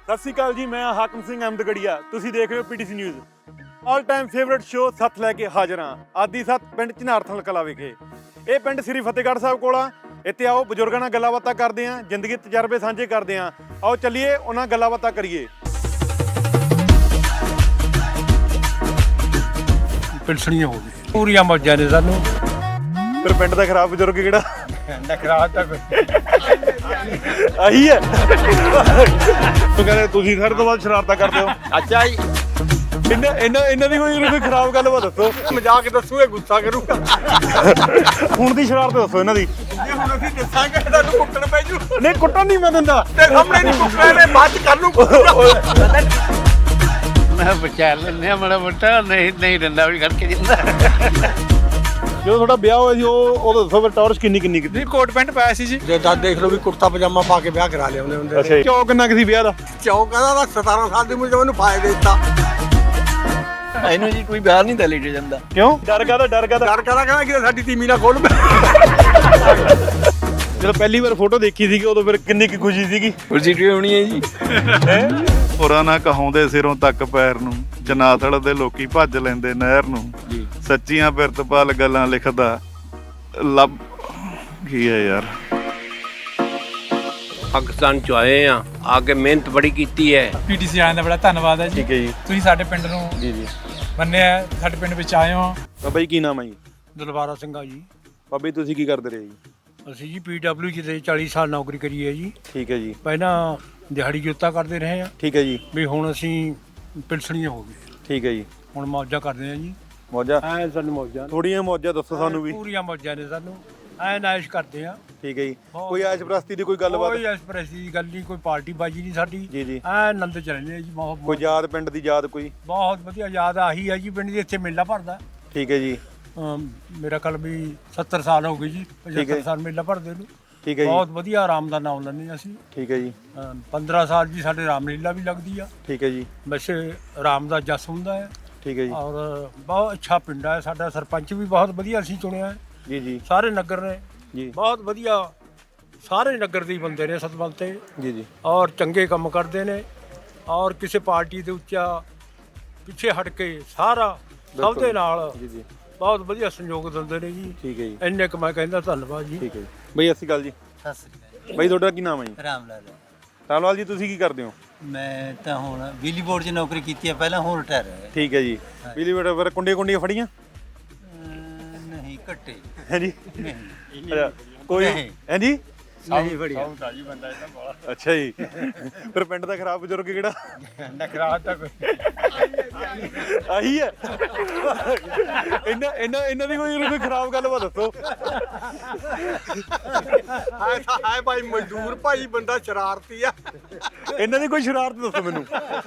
ਸਤਿ ਸ਼੍ਰੀ ਅਕਾਲ ਜੀ, ਮੈਂ ਹਾਕਮ ਸਿੰਘ ਅਹਿਮਦਗੜੀਆ। ਤੁਸੀਂ ਦੇਖ ਰਹੇ ਹੋ PTC news. All time favourite show ਸੱਤ ਲੈ ਕੇ ਹਾਜ਼ਰ ਹਾਂ। ਆਦੀ ਸੱਤ ਪਿੰਡ ਝਨਾਰਥਲ ਕਲਾਂ ਵਿਖੇ। ਇਹ ਪਿੰਡ ਸ੍ਰੀ ਫਤਿਹਗੜ੍ਹ ਸਾਹਿਬ ਕੋਲ ਆ। ਇੱਥੇ ਆਓ ਬਜ਼ੁਰਗਾਂ ਨਾਲ ਗੱਲਾਂ ਬਾਤਾਂ ਕਰਦੇ ਹਾਂ, ਜ਼ਿੰਦਗੀ ਦੇ ਤਜਰਬੇ ਸਾਂਝੇ ਕਰਦੇ ਹਾਂ। ਆਓ ਚੱਲੀਏ ਉਹਨਾਂ ਨਾਲ ਗੱਲਾਂ ਬਾਤਾਂ ਕਰੀਏ। ਪਿਲਸਣੀਆਂ ਹੋ ਗਈ ਪੂਰੀਆਂ ਮੌਜਾਂ ਨੇ ਸਾਨੂੰ। ਫਿਰ ਪਿੰਡ ਦਾ ਖਰਾਬ ਬਜ਼ੁਰਗ ਕਿਹੜਾ? ਨਖਰਾ ਤਾਂ ਕੋਈ ਆਹੀ ਹੈ। ਤੂੰ ਕਹਿੰਦੇ ਤੁਸੀਂ ਸਾਰੇ ਤੋਂ ਬਾਅਦ ਸ਼ਰਾਰਤਾਂ ਕਰਦੇ ਹੋ। ਅੱਛਾ ਜੀ, ਇਹਨਾਂ ਦੀ ਕੋਈ ਖਰਾਬ ਗੱਲ ਵਾ ਦੱਸੋ। ਮਜ਼ਾਕ ਦੱਸੂ ਇਹ ਗੁੱਸਾ ਕਰੂਗਾ। ਹੁਣ ਦੀ ਸ਼ਰਾਰਤ ਦੱਸੋ ਇਹਨਾਂ ਦੀ। ਜੇ ਹੁਣ ਅਸੀਂ ਦੱਸਾਂਗੇ ਤੁਹਾਨੂੰ ਕੁੱਟਣ ਪੈ ਜੂ। ਨਹੀਂ ਕੁੱਟਣ ਨਹੀਂ ਮੈਂ ਦਿੰਦਾ। ਤੇ ਸਾਹਮਣੇ ਨਹੀਂ ਕੁੱਟਣਾ ਨੇ, ਬਾਅਦ ਚ ਕਰ ਲੂ। ਮੈਂ ਬਚਾ ਲੈਂਦੇ ਆ ਮਾੜਾ ਮੋਟਾ, ਨਹੀਂ ਦਿੰਦਾ ਵੀ ਕਰਕੇ ਦਿੰਦਾ। ਜਦੋਂ ਤੁਹਾਡਾ ਵਿਆਹ ਹੋਇਆ ਸੀ ਉਹ ਦੱਸੋ ਫਿਰ ਟੌਰਚ ਕਿੰਨੀ ਕੀਤੀ? ਕੋਟ ਪੈਂਟ ਪਾਇਆ ਸੀ ਜੀ। ਜੇ ਦੱਸ ਦੇਖ ਲਓ ਵੀ ਕੁੜਤਾ ਪਜਾਮਾ ਪਾ ਕੇ ਵਿਆਹ ਕਰਾ ਲਿਆ ਹੁੰਦੇ। ਅੱਛਾ, ਚੌ ਕਿੰਨਾ ਕਿਸੇ ਵਿਆਹ ਦਾ? ਚੌਕ ਦਾ 17 ਸਾਲ ਦੀ ਉਮਰ ਚ ਮੈਨੂੰ ਫਾਇਦਾ ਦਿੱਤਾ। ਇਹਨੂੰ ਜੀ ਕੋਈ ਬਾਹਰ ਨਹੀਂ ਤਾਂ ਲੈ ਜਾਂਦਾ। ਕਿਉਂ? ਡਰ ਕਾਹਦਾ? ਡਰ ਕਹਿੰਦਾ ਕਿ ਸਾਡੀ ਤੀਮੀ ਨਾ ਖੋਲ। ਜਦੋਂ ਪਹਿਲੀ ਵਾਰ ਫੋਟੋ ਦੇਖੀ ਸੀਗੀ ਉਦੋਂ ਫਿਰ ਕਿੰਨੀ ਕੀ ਖੁਸ਼ੀ ਸੀਗੀ? ਖੁਸ਼ੀ ਹੋਣੀ ਹੈ ਜੀ। ਹੋਰਾਂ ਨਾ ਕਹਾਉਂਦੇ ਸਿਰੋਂ ਤੱਕ ਪੈਰ ਨੂੰ, ਜਨਾਥਲ ਦੇ ਲੋਕੀ ਭੱਜ ਲੈਂਦੇ ਨਹਿਰ ਨੂੰ। ਸੱਚੀਆਂ ਪਿਰਤਪਾਲ ਗੱਲਾਂ ਲਿਖਦਾ ਲੱਭ ਕੀ ਹੈ ਯਾਰ। ਪਾਕਿਸਤਾਨ ਚ ਆਏ ਆ ਕੇ ਮਿਹਨਤ ਬੜੀ ਕੀਤੀ ਹੈ। ਪੀਟੀਸੀ ਆਇਆਂ ਦਾ ਬੜਾ ਧੰਨਵਾਦ ਹੈ ਜੀ। ਠੀਕ ਹੈ ਜੀ। ਤੁਸੀਂ ਸਾਡੇ ਪਿੰਡ ਨੂੰ ਜੀ ਮੰਨਿਆ, ਸਾਡੇ ਪਿੰਡ ਵਿੱਚ ਆਏ ਹੋ। ਬਾਬਾ ਜੀ ਕੀ ਨਾਮ ਹੈ ਜੀ? ਦਲਵਾਰਾ ਸਿੰਘਾ ਜੀ। ਬਾਬਾ ਜੀ ਤੁਸੀਂ ਕੀ ਕਰਦੇ ਰਹੇ ਜੀ? ਅਸੀਂ ਜੀ PW ਚ 40 ਸਾਲ ਨੌਕਰੀ ਕਰੀ ਹੈ ਜੀ। ਠੀਕ ਹੈ ਜੀ। ਪਹਿਲਾਂ ਦਿਹਾੜੀ ਜੋਤਾ ਕਰਦੇ ਰਹੇ ਆ, ਠੀਕ ਹੈ ਜੀ। ਵੀ ਹੁਣ ਅਸੀਂ ਪਿਲਸਣੀਆਂ ਹੋ ਗਏ। ਠੀਕ ਹੈ ਜੀ। ਹੁਣ ਮੌਜਾਂ ਕਰਦੇ ਆ ਜੀ। ਮੌਜਾਂ ਐ ਸਾਨੂੰ ਮੌਜਾਂ ਥੋੜੀਆਂ ਮੌਜਾਂ ਦੱਸੋ ਸਾਨੂੰ ਵੀ। ਪੂਰੀਆਂ ਮੌਜਾਂ ਨੇ ਸਾਨੂੰ। ਐ ਨਾਇਸ਼ ਕਰਦੇ ਆ। ਠੀਕ ਹੈ ਜੀ। ਕੋਈ ਐਸ਼ ਪ੍ਰਸਤੀ ਦੀ ਕੋਈ ਗੱਲਬਾਤ? ਕੋਈ ਐਸਪ੍ਰੈਸੀ ਦੀ ਗੱਲ ਨਹੀਂ, ਕੋਈ ਪਾਰਟੀ ਬਾਜੀ ਨਹੀਂ ਸਾਡੀ। ਜੀ ਜੀ। ਐ ਆਨੰਦ ਚ ਰਹਿੰਦੇ ਆ ਜੀ। ਕੋਈ ਯਾਦ ਪਿੰਡ ਦੀ ਯਾਦ ਕੋਈ? ਬਹੁਤ ਵਧੀਆ ਯਾਦ ਆਹੀ ਹੈ ਜੀ। ਪਿੰਡ ਦੇ ਇੱਥੇ ਮੇਲਾ ਭਰਦਾ। ਠੀਕ ਹੈ ਜੀ। ਮੇਰਾ ਕੱਲ ਵੀ 70 ਸਾਲ ਹੋ ਗਏ ਜੀ। 75 ਸਾਲ ਮੇਲਾ ਭਰਦੇ ਨੂੰ। ਠੀਕ ਹੈ ਜੀ। ਬਹੁਤ ਵਧੀਆ ਆਰਾਮ ਦਾ ਨਾਮ ਲੈਂਦੇ ਅਸੀਂ। ਠੀਕ ਹੈ ਜੀ। 15 ਸਾਲ ਜੀ ਸਾਡੇ ਰਾਮਲੀਲਾ ਵੀ ਲੱਗਦੀ ਆ। ਠੀਕ ਹੈ ਜੀ। ਵੈਸੇ ਰਾਮ ਦਾ ਜਸ ਹੁੰਦਾ ਹੈ। ਠੀਕ ਹੈ ਜੀ। ਔਰ ਬਹੁਤ ਅੱਛਾ ਪਿੰਡ ਹੈ ਸਾਡਾ। ਸਰਪੰਚ ਵੀ ਬਹੁਤ ਵਧੀਆ ਅਸੀਂ ਚੁਣਿਆ ਹੈ। ਜੀ ਜੀ ਸਾਰੇ ਨਗਰ ਨੇ ਜੀ। ਬਹੁਤ ਵਧੀਆ, ਸਾਰੇ ਨਗਰ ਦੇ ਬੰਦੇ ਨੇ ਸਤਬਲ ਤੇ। ਜੀ ਜੀ। ਔਰ ਚੰਗੇ ਕੰਮ ਕਰਦੇ ਨੇ। ਔਰ ਕਿਸੇ ਪਾਰਟੀ ਦੇ ਉੱਚਾ ਪਿੱਛੇ ਹਟ ਕੇ ਸਾਰਾ ਸਭ ਦੇ ਨਾਲ ਜੀ ਜੀ। ਬਹੁਤ ਵਧੀਆ ਸਹਿਯੋਗ ਦਿੰਦੇ ਨੇ ਜੀ। ਠੀਕ ਹੈ ਜੀ। ਇੰਨੇ ਕੁ ਮੈਂ ਕਹਿੰਦਾ ਧੰਨਵਾਦ ਜੀ। ਠੀਕ ਹੈ ਜੀ। ਬਈ ਸਤਿ ਸ਼੍ਰੀ ਅਕਾਲ ਜੀ। ਸਤਿ ਸ੍ਰੀ ਅਕਾਲ। ਬਈ ਤੁਹਾਡਾ ਕੀ ਨਾਮ ਹੈ ਜੀ? ਰਾਮ ਲਾਲ। ਰਾਮਲਾਲ ਜੀ ਤੁਸੀਂ ਕੀ ਕਰਦੇ ਹੋ? ਮੈਂ ਤਾਂ ਹੁਣ ਬਿਜਲੀ ਬੋਰਡ 'ਚ ਨੌਕਰੀ ਕੀਤੀ ਹੈ ਪਹਿਲਾਂ, ਹੁਣ ਰਿਟਾਇਰ ਹੋਇਆ। ਠੀਕ ਹੈ ਜੀ। ਬਿਜਲੀ ਬੇਟਾ ਫਿਰ ਕੁੰਡੀਆਂ ਫੜੀਆਂ? ਨਹੀਂ ਘੱਟੇ। ਹੈ ਜੀ। ਨਹੀਂ ਅੱਛਾ ਕੋਈ ਹੈ ਜੀ। ਨਹੀਂ ਬੜੀਆ। ਅੱਛਾ ਜੀ। ਫਿਰ ਪਿੰਡ ਦਾ ਖਰਾਬ ਬਜ਼ੁਰਗ ਕਿਹੜਾ? ਨਖਰਾ ਤਾਂ ਕੋਈ ਆਹੀ ਹੈ। ਇਹਨਾਂ ਦੀ ਕੋਈ ਖਰਾਬ ਗੱਲ ਵਾ ਦੱਸੋ। ਹਾਏ ਭਾਈ ਮਜ਼ਦੂਰ ਭਾਈ ਬੰਦਾ ਸ਼ਰਾਰਤੀ ਆ। ਇਹਨਾਂ ਦੀ ਕੋਈ ਸ਼ਰਾਰਤ ਦੱਸੋ ਮੈਨੂੰ।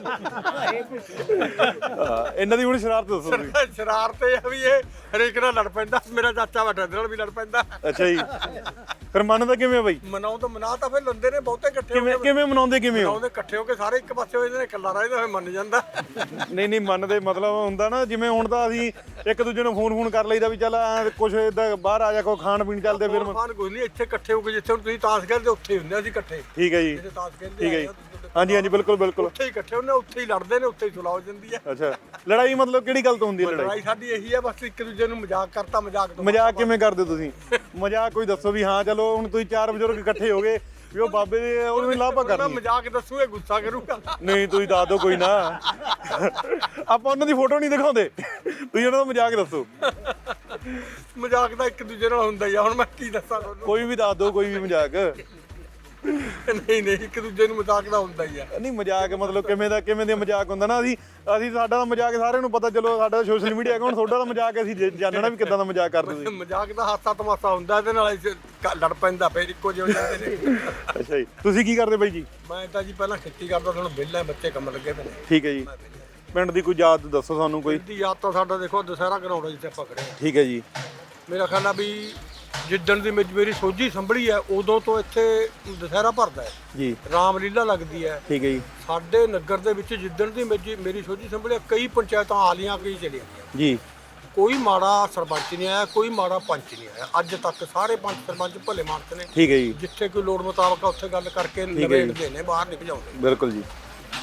ਇਹਨਾਂ ਦੀ ਹੁਣ ਸ਼ਰਾਰਤ ਦੱਸੋ ਤੁਸੀਂ। ਸ਼ਰਾਰਤ ਇਹ ਆ ਵੀ ਇਹ ਹਰੇਕ ਨਾਲ ਲੜ ਪੈਂਦਾ। ਮੇਰਾ ਚਾਚਾ ਵੱਡਾ ਨਾਲ ਵੀ ਲੜ ਪੈਂਦਾ। ਅੱਛਾ ਜੀ। ਫਿਰ ਮੰਨਦਾ ਕਿਵੇਂ ਬਈ? ਮਨਾਉ ਤਾਂ ਫਿਰ ਲੰਦੇ ਨੇ ਬਹੁਤੇ ਇਕੱਠੇ ਹੋ ਕੇ। ਕਿਵੇਂ ਮਨਾਉਂਦੇ ਕਿਵੇਂ ਹੋ? ਮਨਾਉਂਦੇ ਇਕੱਠੇ ਹੋ ਕੇ ਸਾਰੇ ਇੱਕ ਪਾਸੇ ਹੋ ਜਾਂਦੇ ਨੇ। ਇਕੱਲਾ ਰਹਿੰਦਾ ਫਿਰ ਮੰਨ ਜਾਂਦਾ। ਨਹੀਂ ਮੰਨਦੇ ਮਤਲਬ ਹੁੰਦਾ ਨਾ, ਜਿਵੇਂ ਹੁਣ ਤਾਂ ਅਸੀਂ ਇੱਕ ਦੂਜੇ ਨੂੰ ਫੋਨ ਕਰ ਲਈਦਾ ਵੀ ਚੱਲ ਕੁਛ ਏਦਾਂ ਬਾਹਰ ਆ ਜਾ, ਕੋਈ ਖਾਣ ਪੀਣ ਚੱਲਦੇ ਫਿਰ। ਖਾਣ ਕੋਈ ਨਹੀਂ, ਇੱਥੇ ਇਕੱਠੇ ਹੋ ਕੇ ਜਿੱਥੇ ਹੁਣ ਤੁਸੀਂ ਤਾਸ਼ ਖੇਡਦੇ ਉੱਥੇ ਹੀ ਹੁੰਦੇ ਅਸੀਂ ਇਕੱਠੇ। ਠੀਕ ਹੈ ਜੀ। ਜਿੱਥੇ ਤਾਸ਼ ਖੇਡਦੇ ਠੀਕ ਹੈ ਜੀ। ਹਾਂਜੀ ਬਿਲਕੁਲ ਉੱਥੇ ਹੀ ਇਕੱਠੇ ਹੁੰਦੇ, ਉੱਥੇ ਹੀ ਲੜਦੇ ਨੇ, ਉੱਥੇ ਹੀ ਸੁਲਾਹ ਹੋ ਜਾਂਦੀ ਹੈ। ਅੱਛਾ, ਲੜਾਈ ਮਤਲਬ ਕਿਹੜੀ ਗੱਲ ਤੋਂ ਹੁੰਦੀ ਹੈ? ਲੜਾਈ ਸਾਡੀ ਇਹੀ ਹੈ ਬਸ, ਇੱਕ ਦੂਜੇ ਨੂੰ ਮਜ਼ਾਕ ਕਰਤਾ। ਮਜ਼ਾਕ ਕਿਵੇਂ ਕਰਦੇ ਤੁਸੀਂ? ਮਜ਼ਾਕ ਕੋਈ ਦੱਸੋ ਵੀ ਹਾਂ ਚਲੋ ਹੁਣ ਤੁਸੀਂ ਚਾਰ ਬਜ਼ੁਰਗ ਇਕੱਠੇ ਹੋ ਗਏ ਵੀ ਉਹ ਬਾਬੇ ਦੇ ਉਹਨੂੰ ਲਾਭਾ ਕਰਨੀ। ਮਜ਼ਾਕ ਦੱਸੂ ਇਹ ਗੁੱਸਾ ਕਰੂਗਾ। ਨਹੀਂ ਤੁਸੀਂ ਦੱਸ ਦਿਓ ਕੋਈ ਨਾ। ਆਪਾਂ ਉਹਨਾਂ ਦੀ ਫੋਟੋ ਨਹੀਂ ਦਿਖਾਉਂਦੇ, ਤੁਸੀਂ ਉਹਨਾਂ ਦਾ ਮਜ਼ਾਕ ਦੱਸੋ। ਮਜ਼ਾਕ ਤਾਂ ਇੱਕ ਦੂਜੇ ਨਾਲ ਹੁੰਦਾ ਹੀ ਆ। ਹੁਣ ਮੈਂ ਕੀ ਦੱਸਾਂ ਤੁਹਾਨੂੰ? ਕੋਈ ਵੀ ਦੱਸ ਦਿਓ, ਕੋਈ ਵੀ ਮਜ਼ਾਕ। ਨਹੀਂ ਇੱਕ ਦੂਜੇ ਨੂੰ ਮਜ਼ਾਕ ਦਾ ਹੁੰਦਾ ਹੀ ਆ। ਨਹੀਂ ਮਜ਼ਾਕ ਮਤਲਬ ਕਿਵੇਂ ਦੇ ਮਜ਼ਾਕ ਹੁੰਦਾ ਨਾ। ਅਸੀਂ ਸਾਡਾ ਤਾਂ ਮਜ਼ਾਕ ਸਾਰਿਆਂ ਨੂੰ ਪਤਾ, ਚਲੋ ਸਾਡਾ ਸੋਸ਼ਲ ਮੀਡੀਆ ਅਕਾਊਂਟ, ਤੁਹਾਡਾ ਤਾਂ ਮਜ਼ਾਕ ਅਸੀਂ ਜਾਣਨਾ ਵੀ ਕਿੱਦਾਂ ਦਾ ਮਜ਼ਾਕ ਕਰਦੇ ਤੁਸੀਂ। ਮਜ਼ਾਕ ਦਾ ਹਾਸਾ ਤਮਾਸ਼ਾ ਹੁੰਦਾ, ਇਹਦੇ ਨਾਲ ਲੜ ਪੈਂਦਾ ਫਿਰ ਇੱਕੋ ਜਿਹੇ ਹੋ ਜਾਂਦੇ ਨੇ। ਅੱਛਾ ਜੀ। ਤੁਸੀਂ ਕੀ ਕਰਦੇ ਬਾਈ ਜੀ? ਮੈਂ ਤਾਂ ਜੀ ਪਹਿਲਾਂ ਖੇਤੀ ਕਰਦਾ, ਹੁਣ ਵਿਹਲਾ, ਬੱਚੇ ਕੰਮ ਲੱਗੇ ਪਏ ਨੇ। ਠੀਕ ਹੈ ਜੀ। ਪਿੰਡ ਦੀ ਕੋਈ ਯਾਦ ਦੱਸੋ ਸਾਨੂੰ ਕੋਈ। ਦੀ ਯਾਦ ਤਾਂ ਸਾਡਾ ਦੇਖੋ ਦੁਸਹਿਰਾ ਗਰਾਉਂਡ ਜਿੱਥੇ ਆਪਾਂ ਖੜੇ ਹਾਂ। ਠੀਕ ਹੈ ਜੀ। ਮੇਰਾ ਖਿਆਲ ਆ ਵੀ ਜਿੱਦਣ ਦੀ ਮੇਰੀ ਸੋਝੀ ਸੰਭਲੀ ਹੈ ਉਦੋਂ ਤੋਂ ਇੱਥੇ ਦੁਸਹਿਰਾ ਭਰਦਾ ਹੈ ਜੀ। ਰਾਮਲੀਲਾ ਲੱਗਦੀ ਹੈ। ਠੀਕ ਹੈ ਜੀ। ਸਾਡੇ ਨਗਰ ਦੇ ਵਿੱਚ ਜਿੱਦਣ ਦੀ ਮੇਰੀ ਸੋਝੀ ਸੰਭਲੀ ਹੈ, ਕਈ ਪੰਚਾਇਤਾਂ ਆਲੀਆਂ ਕਈ ਚਲੀਆਂ ਗਈਆਂ ਜੀ। ਕੋਈ ਮਾੜਾ ਸਰਪੰਚ ਨਹੀਂ ਆਇਆ, ਕੋਈ ਮਾੜਾ ਪੰਚ ਨਹੀਂ ਆਇਆ ਅੱਜ ਤੱਕ। ਸਾਰੇ ਪੰਚ ਸਰਪੰਚ ਭਲੇ ਮਾਨਸ ਨੇ। ਠੀਕ ਹੈ ਜੀ। ਜਿੱਥੇ ਕੋਈ ਲੋੜ ਮੁਤਾਬਕ ਉੱਥੇ ਗੱਲ ਕਰਕੇ ਨਿਬੇੜਦੇ ਨੇ, ਬਾਹਰ ਨਹੀਂ ਭਜਾਉਂਦੇ। ਬਿਲਕੁਲ ਜੀ।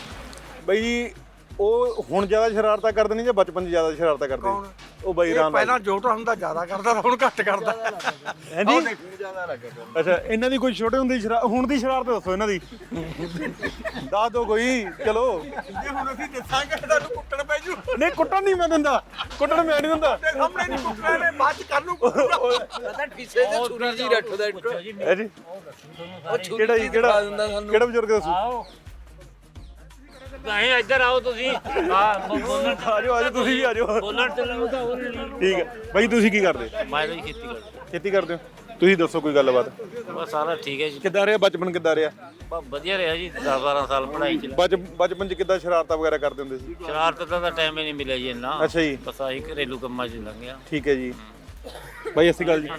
ਬਾਈ ਜੀ ਉਹ ਹੁਣ ਜ਼ਿਆਦਾ ਸ਼ਰਾਰਤਾਂ ਕਰਦੇ ਨੇ ਜਾਂ ਬਚਪਨ 'ਚ ਜ਼ਿਆਦਾ ਸ਼ਰਾਰਤਾਂ ਕਰਦੇ ਨੇ? ਉਹ ਬਾਈ ਰਾਮ ਪਹਿਲਾਂ ਜੋਟਾ ਹੁੰਦਾ ਜ਼ਿਆਦਾ ਕਰਦਾ ਹੁਣ ਘੱਟ ਕਰਦਾ। ਹੈ ਜੀ ਅੱਛਾ ਇਹਨਾਂ ਦੀ ਕੋਈ ਛੋਟੇ ਹੁੰਦੇ ਦੀ ਹੁਣ ਦੀ ਸ਼ਰਾਰਤ ਦੱਸੋ ਇਹਨਾਂ ਦੀ ਦੱਸ ਦਿਓ ਕੋਈ ਚਲੋ। ਜੇ ਹੁਣ ਅਸੀਂ ਦੱਸਾਂਗੇ ਤੁਹਾਨੂੰ ਕੁੱਟਣ ਪੈ ਜੂ। ਨਹੀਂ ਕੁੱਟਣ ਨਹੀਂ ਮੈਂ ਦਿੰਦਾ, ਕੁੱਟਣ ਮੈਂ ਨਹੀਂ ਦਿੰਦਾ। ਸਾਹਮਣੇ ਨਹੀਂ ਕੁੱਟਣਾ ਨੇ ਬਾਅਦ ਚ ਕਰ ਲੂ। ਹੈ ਜੀ ਕਿਹੜਾ ਜੀ ਕਿਹੜਾ ਬਜ਼ੁਰਗ ਦੱਸੋ? ਨਹੀਂ ਇੱਧਰ ਆਓ ਤੁਸੀਂ ਆਜੋ ਤੁਸੀਂ ਵੀ ਆਜੋ। ਬੋਲਣ ਤੇ ਲੱਗਦਾ ਹੋਰ ਨਹੀਂ। ਠੀਕ ਹੈ ਬਾਈ ਤੁਸੀਂ ਕੀ ਕਰਦੇ? ਮੈਂ ਤਾਂ ਖੇਤੀ ਕਰਦਾ। ਖੇਤੀ ਕਰਦੇ ਹੋ? ਤੁਸੀਂ ਦੱਸੋ ਕੋਈ ਗੱਲਬਾਤ। ਬਸ ਸਾਰਾ ਠੀਕ ਹੈ ਜੀ। ਕਿੱਦਾਂ ਰਿਹਾ ਬਚਪਨ, ਕਿੱਦਾਂ ਰਿਹਾ? ਬਸ ਵਧੀਆ ਰਿਹਾ ਜੀ 10-12 ਸਾਲ ਪੜ੍ਹਾਈ ਚ। ਬਚਪਨ 'ਚ ਕਿੱਦਾਂ ਸ਼ਰਾਰਤਾਂ ਵਗੈਰਾ ਕਰਦੇ ਹੁੰਦੇ ਸੀ? ਸ਼ਰਾਰਤ ਦਾ ਤਾਂ ਟਾਈਮ ਹੀ ਨਹੀਂ ਮਿਲਿਆ ਜੀ ਇੰਨਾ। ਅੱਛਾ ਜੀ ਬਸ ਆਹੀ ਘਰੇਲੂ ਕੰਮਾਂ 'ਚ ਲੰਘਿਆ। ਠੀਕ ਹੈ ਜੀ ਬਾਈ ਸਤਿ ਸ਼੍ਰੀ ਅਕਾਲ ਜੀ।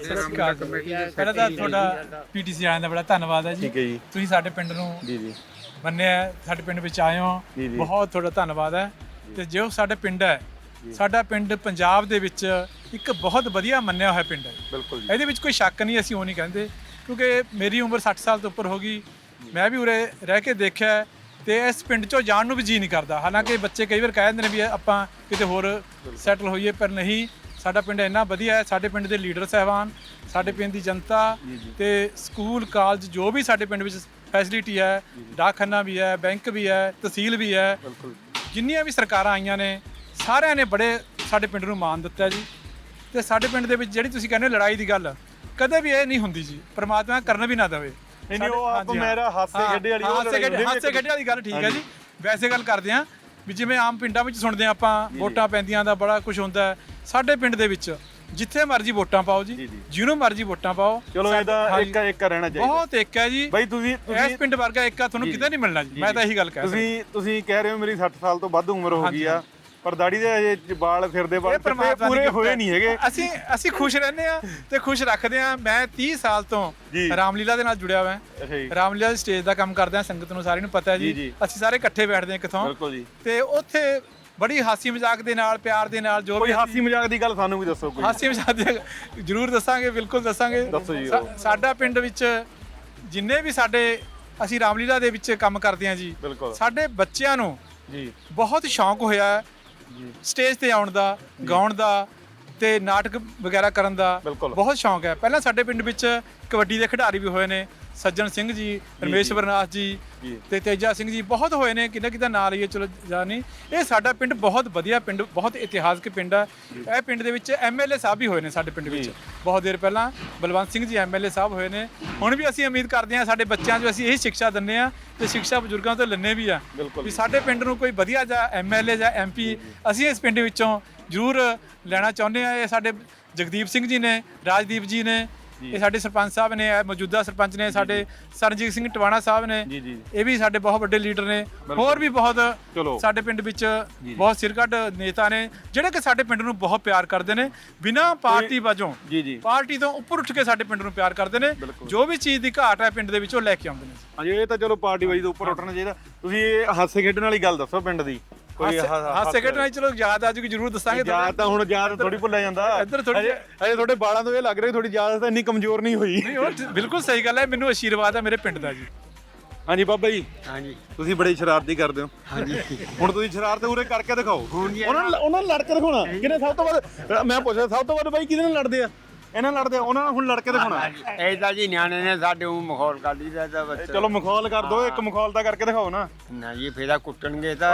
ਪਹਿਲਾਂ ਤਾਂ ਤੁਹਾਡਾ ਪੀਟੀਸੀ ਵਾਲਿਆਂ ਦਾ ਬੜਾ ਧੰਨਵਾਦ ਹੈ ਜੀ। ਠੀਕ ਹੈ ਜੀ ਤੁਸੀਂ ਸਾਡੇ ਪਿੰਡ ਨੂੰ ਜੀ ਮੰਨਿਆ, ਸਾਡੇ ਪਿੰਡ ਵਿੱਚ ਆਏ ਹੋ, ਬਹੁਤ ਤੁਹਾਡਾ ਧੰਨਵਾਦ ਹੈ। ਤੇ ਜੋ ਸਾਡੇ ਪਿੰਡ ਹੈ, ਸਾਡਾ ਪਿੰਡ ਪੰਜਾਬ ਦੇ ਵਿੱਚ ਇੱਕ ਬਹੁਤ ਵਧੀਆ ਮੰਨਿਆ ਹੋਇਆ ਪਿੰਡ ਹੈ। ਬਿਲਕੁਲ ਜੀ। ਇਹਦੇ ਵਿੱਚ ਕੋਈ ਸ਼ੱਕ ਨਹੀਂ, ਅਸੀਂ ਉਹ ਨਹੀਂ ਕਹਿੰਦੇ, ਕਿਉਂਕਿ ਮੇਰੀ ਉਮਰ 60 ਸਾਲ ਤੋਂ ਉੱਪਰ ਹੋ ਗਈ। ਮੈਂ ਵੀ ਉਰੇ ਰਹਿ ਕੇ ਦੇਖਿਆ ਹੈ ਤੇ ਇਸ ਪਿੰਡ 'ਚੋਂ ਜਾਣ ਨੂੰ ਵੀ ਜੀ ਨਹੀਂ ਕਰਦਾ। ਹਾਲਾਂਕਿ ਬੱਚੇ ਕਈ ਵਾਰ ਕਹਿ ਦਿੰਦੇ ਨੇ ਵੀ ਆਪਾਂ ਕਿਤੇ ਹੋਰ ਸੈਟਲ ਹੋਈਏ, ਪਰ ਨਹੀਂ, ਸਾਡਾ ਪਿੰਡ ਇੰਨਾ ਵਧੀਆ ਹੈ। ਸਾਡੇ ਪਿੰਡ ਦੇ ਲੀਡਰ ਸਾਹਿਬਾਨ, ਸਾਡੇ ਪਿੰਡ ਦੀ ਜਨਤਾ ਤੇ ਸਕੂਲ ਕਾਲਜ ਜੋ ਵੀ ਸਾਡੇ ਪਿੰਡ ਵਿੱਚ ਫੈਸਿਲਿਟੀ ਹੈ, ਡਾਕਖਾਨਾ ਵੀ ਹੈ, ਬੈਂਕ ਵੀ ਹੈ, ਤਹਿਸੀਲ ਵੀ ਹੈ, ਜਿੰਨੀਆਂ ਵੀ ਸਰਕਾਰਾਂ ਆਈਆਂ ਨੇ ਸਾਰਿਆਂ ਨੇ ਬੜੇ ਸਾਡੇ ਪਿੰਡ ਨੂੰ ਮਾਣ ਦਿੱਤਾ ਜੀ। ਤੇ ਸਾਡੇ ਪਿੰਡ ਦੇ ਵਿੱਚ ਜਿਹੜੀ ਤੁਸੀਂ ਕਹਿੰਦੇ ਹੋ ਲੜਾਈ ਦੀ ਗੱਲ, ਕਦੇ ਵੀ ਇਹ ਨਹੀਂ ਹੁੰਦੀ ਜੀ, ਪ੍ਰਮਾਤਮਾ ਕਰਨ ਵੀ ਨਾ ਦੇਵੇ। ਨਹੀਂ ਉਹ ਆਪ ਮੇਰਾ ਹਾਸੇ ਖੇਡੇ ਵਾਲੀ ਹਾਸੇ ਖੇਡੇ ਵਾਲੀ ਗੱਲ ਠੀਕ ਹੈ ਜੀ। ਵੈਸੇ ਗੱਲ ਕਰਦੇ ਹਾਂ ਵੀ ਜਿਵੇਂ ਆਮ ਪਿੰਡਾਂ ਵਿੱਚ ਸੁਣਦੇ ਹਾਂ ਆਪਾਂ, ਵੋਟਾਂ ਪੈਂਦੀਆਂ ਦਾ ਬੜਾ ਕੁਝ ਹੁੰਦਾ ਹੈ। ਸਾਡੇ ਪਿੰਡ ਦੇ ਵਿੱਚ ਜਿੱਥੇ ਮਰਜ਼ੀ ਵੋਟਾਂ ਪਾਓ ਜੀ, ਜਿਹਨੂੰ ਮਰਜ਼ੀ ਵੋਟਾਂ ਪਾਓ। ਚਲੋ ਇਹਦਾ ਇੱਕ ਰਹਿਣਾ ਚਾਹੀਦਾ। ਬਹੁਤ ਇੱਕ ਹੈ ਜੀ ਬਾਈ ਤੁਸੀਂ ਇਸ ਪਿੰਡ ਵਰਗਾ ਇੱਕ ਤੁਹਾਨੂੰ ਕਿਤੇ ਨਹੀਂ ਮਿਲਣਾ ਜੀ। ਮੈਂ ਤਾਂ ਇਹੀ ਗੱਲ ਕਹਿ ਰਿਹਾ। ਤੁਸੀਂ ਕਹਿ ਰਹੇ ਹੋ ਮੇਰੀ 60 ਸਾਲ ਤੋਂ ਵੱਧ ਉਮਰ ਹੋ ਗਈ ਆ, ਪਰ ਦਾੜੀ ਦੇ ਅਜੇ ਵਾਲ ਫਿਰਦੇ ਵਾਲ ਪੂਰੇ ਹੋਏ ਨਹੀਂ ਹੈਗੇ। ਅਸੀਂ ਖੁਸ਼ ਰਹਿੰਦੇ ਆ ਤੇ ਖੁਸ਼ ਰੱਖਦੇ ਆ। ਮੈਂ 30 ਸਾਲ ਤੋਂ ਰਾਮਲੀਲਾ ਦੇ ਨਾਲ ਜੁੜਿਆ ਹੋਇਆ। ਰਾਮਲੀਲਾ ਦੀ ਸਟੇਜ ਦਾ ਕੰਮ ਕਰਦਾ, ਸੰਗਤ ਨੂੰ ਸਾਰਿਆਂ ਨੂੰ ਪਤਾ ਹੈ ਜੀ। ਅਸੀਂ ਸਾਰੇ ਇਕੱਠੇ ਬੈਠਦੇ ਹਾਂ ਕਿਥੋਂ, ਤੇ ਉੱਥੇ ਬੜੀ ਹਾਸੀ ਮਜ਼ਾਕ ਦੇ ਨਾਲ, ਪਿਆਰ ਦੇ ਨਾਲ, ਜੋ ਵੀ ਹਾਸੀ ਮਜ਼ਾਕ ਦੀ ਗੱਲ ਸਾਨੂੰ ਵੀ ਦੱਸੋ ਕੋਈ। ਹਾਸੀ ਮਜ਼ਾਕ ਦੀ ਜ਼ਰੂਰ ਦੱਸਾਂਗੇ, ਬਿਲਕੁਲ ਦੱਸਾਂਗੇ। ਦੱਸੋ ਜੀ। ਸਾਡਾ ਪਿੰਡ ਵਿੱਚ ਜਿੰਨੇ ਵੀ ਅਸੀਂ ਰਾਮਲੀਲਾ ਦੇ ਵਿੱਚ ਕੰਮ ਕਰਦੇ ਹਾਂ ਜੀ, ਸਾਡੇ ਬੱਚਿਆਂ ਨੂੰ ਬਹੁਤ ਸ਼ੌਂਕ ਹੋਇਆ ਸਟੇਜ ਤੇ ਆਉਣ ਦਾ, ਗਾਉਣ ਦਾ ਤੇ ਨਾਟਕ ਵਗੈਰਾ ਕਰਨ ਦਾ ਬਹੁਤ ਸ਼ੌਂਕ ਹੈ। ਪਹਿਲਾਂ ਸਾਡੇ ਪਿੰਡ ਵਿੱਚ ਕਬੱਡੀ ਦੇ ਖਿਡਾਰੀ ਵੀ ਹੋਏ ਨੇ, ਸੱਜਣ ਸਿੰਘ ਜੀ, ਰਮੇਸ਼ਵਰ ਨਾਥ ਜੀ ਤੇ ਤੇਜਾ ਸਿੰਘ ਜੀ, ਬਹੁਤ ਹੋਏ ਨੇ। ਕਿਹਦਾ ਨਾਂ ਲਈਏ, ਚਲੋ ਜਾ ਨਹੀਂ। ਇਹ ਸਾਡਾ ਪਿੰਡ ਬਹੁਤ ਵਧੀਆ ਪਿੰਡ, ਬਹੁਤ ਇਤਿਹਾਸਕ ਪਿੰਡ ਹੈ। ਇਹ ਪਿੰਡ ਦੇ ਵਿੱਚ ਐਮਐਲਏ ਸਾਹਿਬ ਵੀ ਹੋਏ ਨੇ ਸਾਡੇ ਪਿੰਡ ਵਿੱਚ ਬਹੁਤ ਦੇਰ ਪਹਿਲਾਂ। ਬਲਵੰਤ ਸਿੰਘ ਜੀ ਐਮਐਲਏ ਸਾਹਿਬ ਹੋਏ ਨੇ। ਹੁਣ ਵੀ ਅਸੀਂ ਉਮੀਦ ਕਰਦੇ ਹਾਂ ਸਾਡੇ ਬੱਚਿਆਂ 'ਚ ਅਸੀਂ ਇਹੀ ਸਿੱਖਿਆ ਦਿੰਦੇ ਹਾਂ ਤੇ ਸਿੱਖਿਆ ਬਜ਼ੁਰਗਾਂ ਤੋਂ ਲੈਂਦੇ ਵੀ ਆ ਵੀ ਸਾਡੇ ਪਿੰਡ ਨੂੰ ਕੋਈ ਵਧੀਆ ਜਾਂ ਐਮਐਲਏ ਜਾਂ ਐਮਪੀ ਅਸੀਂ ਇਸ ਪਿੰਡ ਵਿੱਚੋਂ ਜ਼ਰੂਰ ਲੈਣਾ ਚਾਹੁੰਦੇ ਹਾਂ। ਇਹ ਸਾਡੇ ਜਗਦੀਪ ਸਿੰਘ ਜੀ ਨੇ, ਰਾਜਦੀਪ ਜੀ ਨੇ, ਇਹ ਸਾਡੇ ਸਰਪੰਚ ਸਾਹਿਬ ਨੇ, ਮੌਜੂਦਾ ਸਰਪੰਚ ਨੇ ਸਾਡੇ ਸਰਨਜੀਤ ਸਿੰਘ ਟਵਾਣਾ ਸਾਹਿਬ ਨੇ, ਇਹ ਵੀ ਸਾਡੇ ਬਹੁਤ ਵੱਡੇ ਲੀਡਰ ਨੇ। ਹੋਰ ਵੀ ਬਹੁਤ ਸਾਡੇ ਪਿੰਡ ਵਿੱਚ ਬਹੁਤ ਸਿਰਕੱਢ ਨੇਤਾ ਨੇ ਜਿਹੜੇ ਕਿ ਸਾਡੇ ਪਿੰਡ ਨੂੰ ਬਹੁਤ ਪਿਆਰ ਕਰਦੇ ਨੇ, ਬਿਨਾਂ ਪਾਰਟੀ ਵਜੋਂ, ਪਾਰਟੀ ਤੋਂ ਉੱਪਰ ਉੱਠ ਕੇ ਸਾਡੇ ਪਿੰਡ ਨੂੰ ਪਿਆਰ ਕਰਦੇ ਨੇ। ਜੋ ਵੀ ਚੀਜ਼ ਦੀ ਘਾਟ ਹੈ ਪਿੰਡ ਦੇ ਵਿੱਚ ਉਹ ਲੈ ਕੇ ਆਉਂਦੇ ਨੇ। ਹਾਂਜੀ, ਇਹ ਤਾਂ ਚਲੋ ਪਾਰਟੀ ਵਾਈਜ਼ ਤੋਂ ਉੱਪਰ ਉੱਠਣਾ ਚਾਹੀਦਾ। ਤੁਸੀਂ ਇਹ ਹਾਸੇ ਖੇਡਣ ਵਾਲੀ ਗੱਲ ਦੱਸੋ ਪਿੰਡ ਦੀ ਕੋਈ। ਹਾਸੇ ਖੇਡਣ ਵਾਲੀ ਚਲੋ ਯਾਦ ਆ ਜੂਗੀ, ਜ਼ਰੂਰ ਦੱਸਾਂਗੇ। ਯਾਦ ਤਾਂ ਹੁਣ ਯਾਦ ਥੋੜੀ ਭੁੱਲਿਆ ਜਾਂਦਾ। ਇੱਧਰ ਥੋੜੀ ਅਜੇ ਤੁਹਾਡੇ ਬਾਲਾਂ ਤੋਂ ਇਹ ਲੱਗ ਰਿਹਾ ਥੋੜੀ ਯਾਦ ਤਾਂ ਇੰਨੀ ਕਮਜ਼ੋਰ ਨਹੀਂ ਹੋਈ। ਬਿਲਕੁਲ ਸਹੀ ਗੱਲ ਹੈ, ਮੈਨੂੰ ਆਸ਼ੀਰਵਾਦ ਹੈ ਮੇਰੇ ਪਿੰਡ ਦਾ ਜੀ। ਹਾਂਜੀ ਬਾਬਾ ਜੀ। ਹਾਂਜੀ, ਤੁਸੀਂ ਬੜੀ ਸ਼ਰਾਰਤੀ ਕਰਦੇ ਹੋ। ਹਾਂਜੀ, ਹੁਣ ਤੁਸੀਂ ਸ਼ਰਾਰਤ ਉਰੇ ਕਰਕੇ ਦਿਖਾਓ। ਉਹਨਾਂ ਨੂੰ ਲੜ ਕੇ ਦਿਖਾਉਣਾ ਕਿਹਨੇ ਸਭ ਤੋਂ ਵੱਧ। ਮੈਂ ਪੁੱਛਦਾ ਸਭ ਤੋਂ ਵੱਧ ਬਾਈ ਕਿਹਦੇ ਨਾਲ ਲੜਦੇ ਆ? ਇਹਨਾਂ ਨਾਲ ਲੜਦੇ, ਉਹਨਾਂ ਨੂੰ ਹੁਣ ਲੜ ਕੇ ਦਿਖਾਉਣਾ। ਇਹ ਤਾਂ ਜੀ ਨਿਆਣੇ ਨੇ ਸਾਡੇ ਉਹ ਮਖੌਲ ਕਰ ਲਈ ਦਾ ਬੱਚਾ। ਚਲੋ ਮਖੌਲ ਕਰ ਦੋ, ਇੱਕ ਮਖੌਲ ਤਾਂ ਕਰਕੇ ਦਿਖਾਓ ਨਾ। ਨਾ ਜੀ ਫੇਰਾ ਕੁੱਟਣਗੇ ਤਾਂ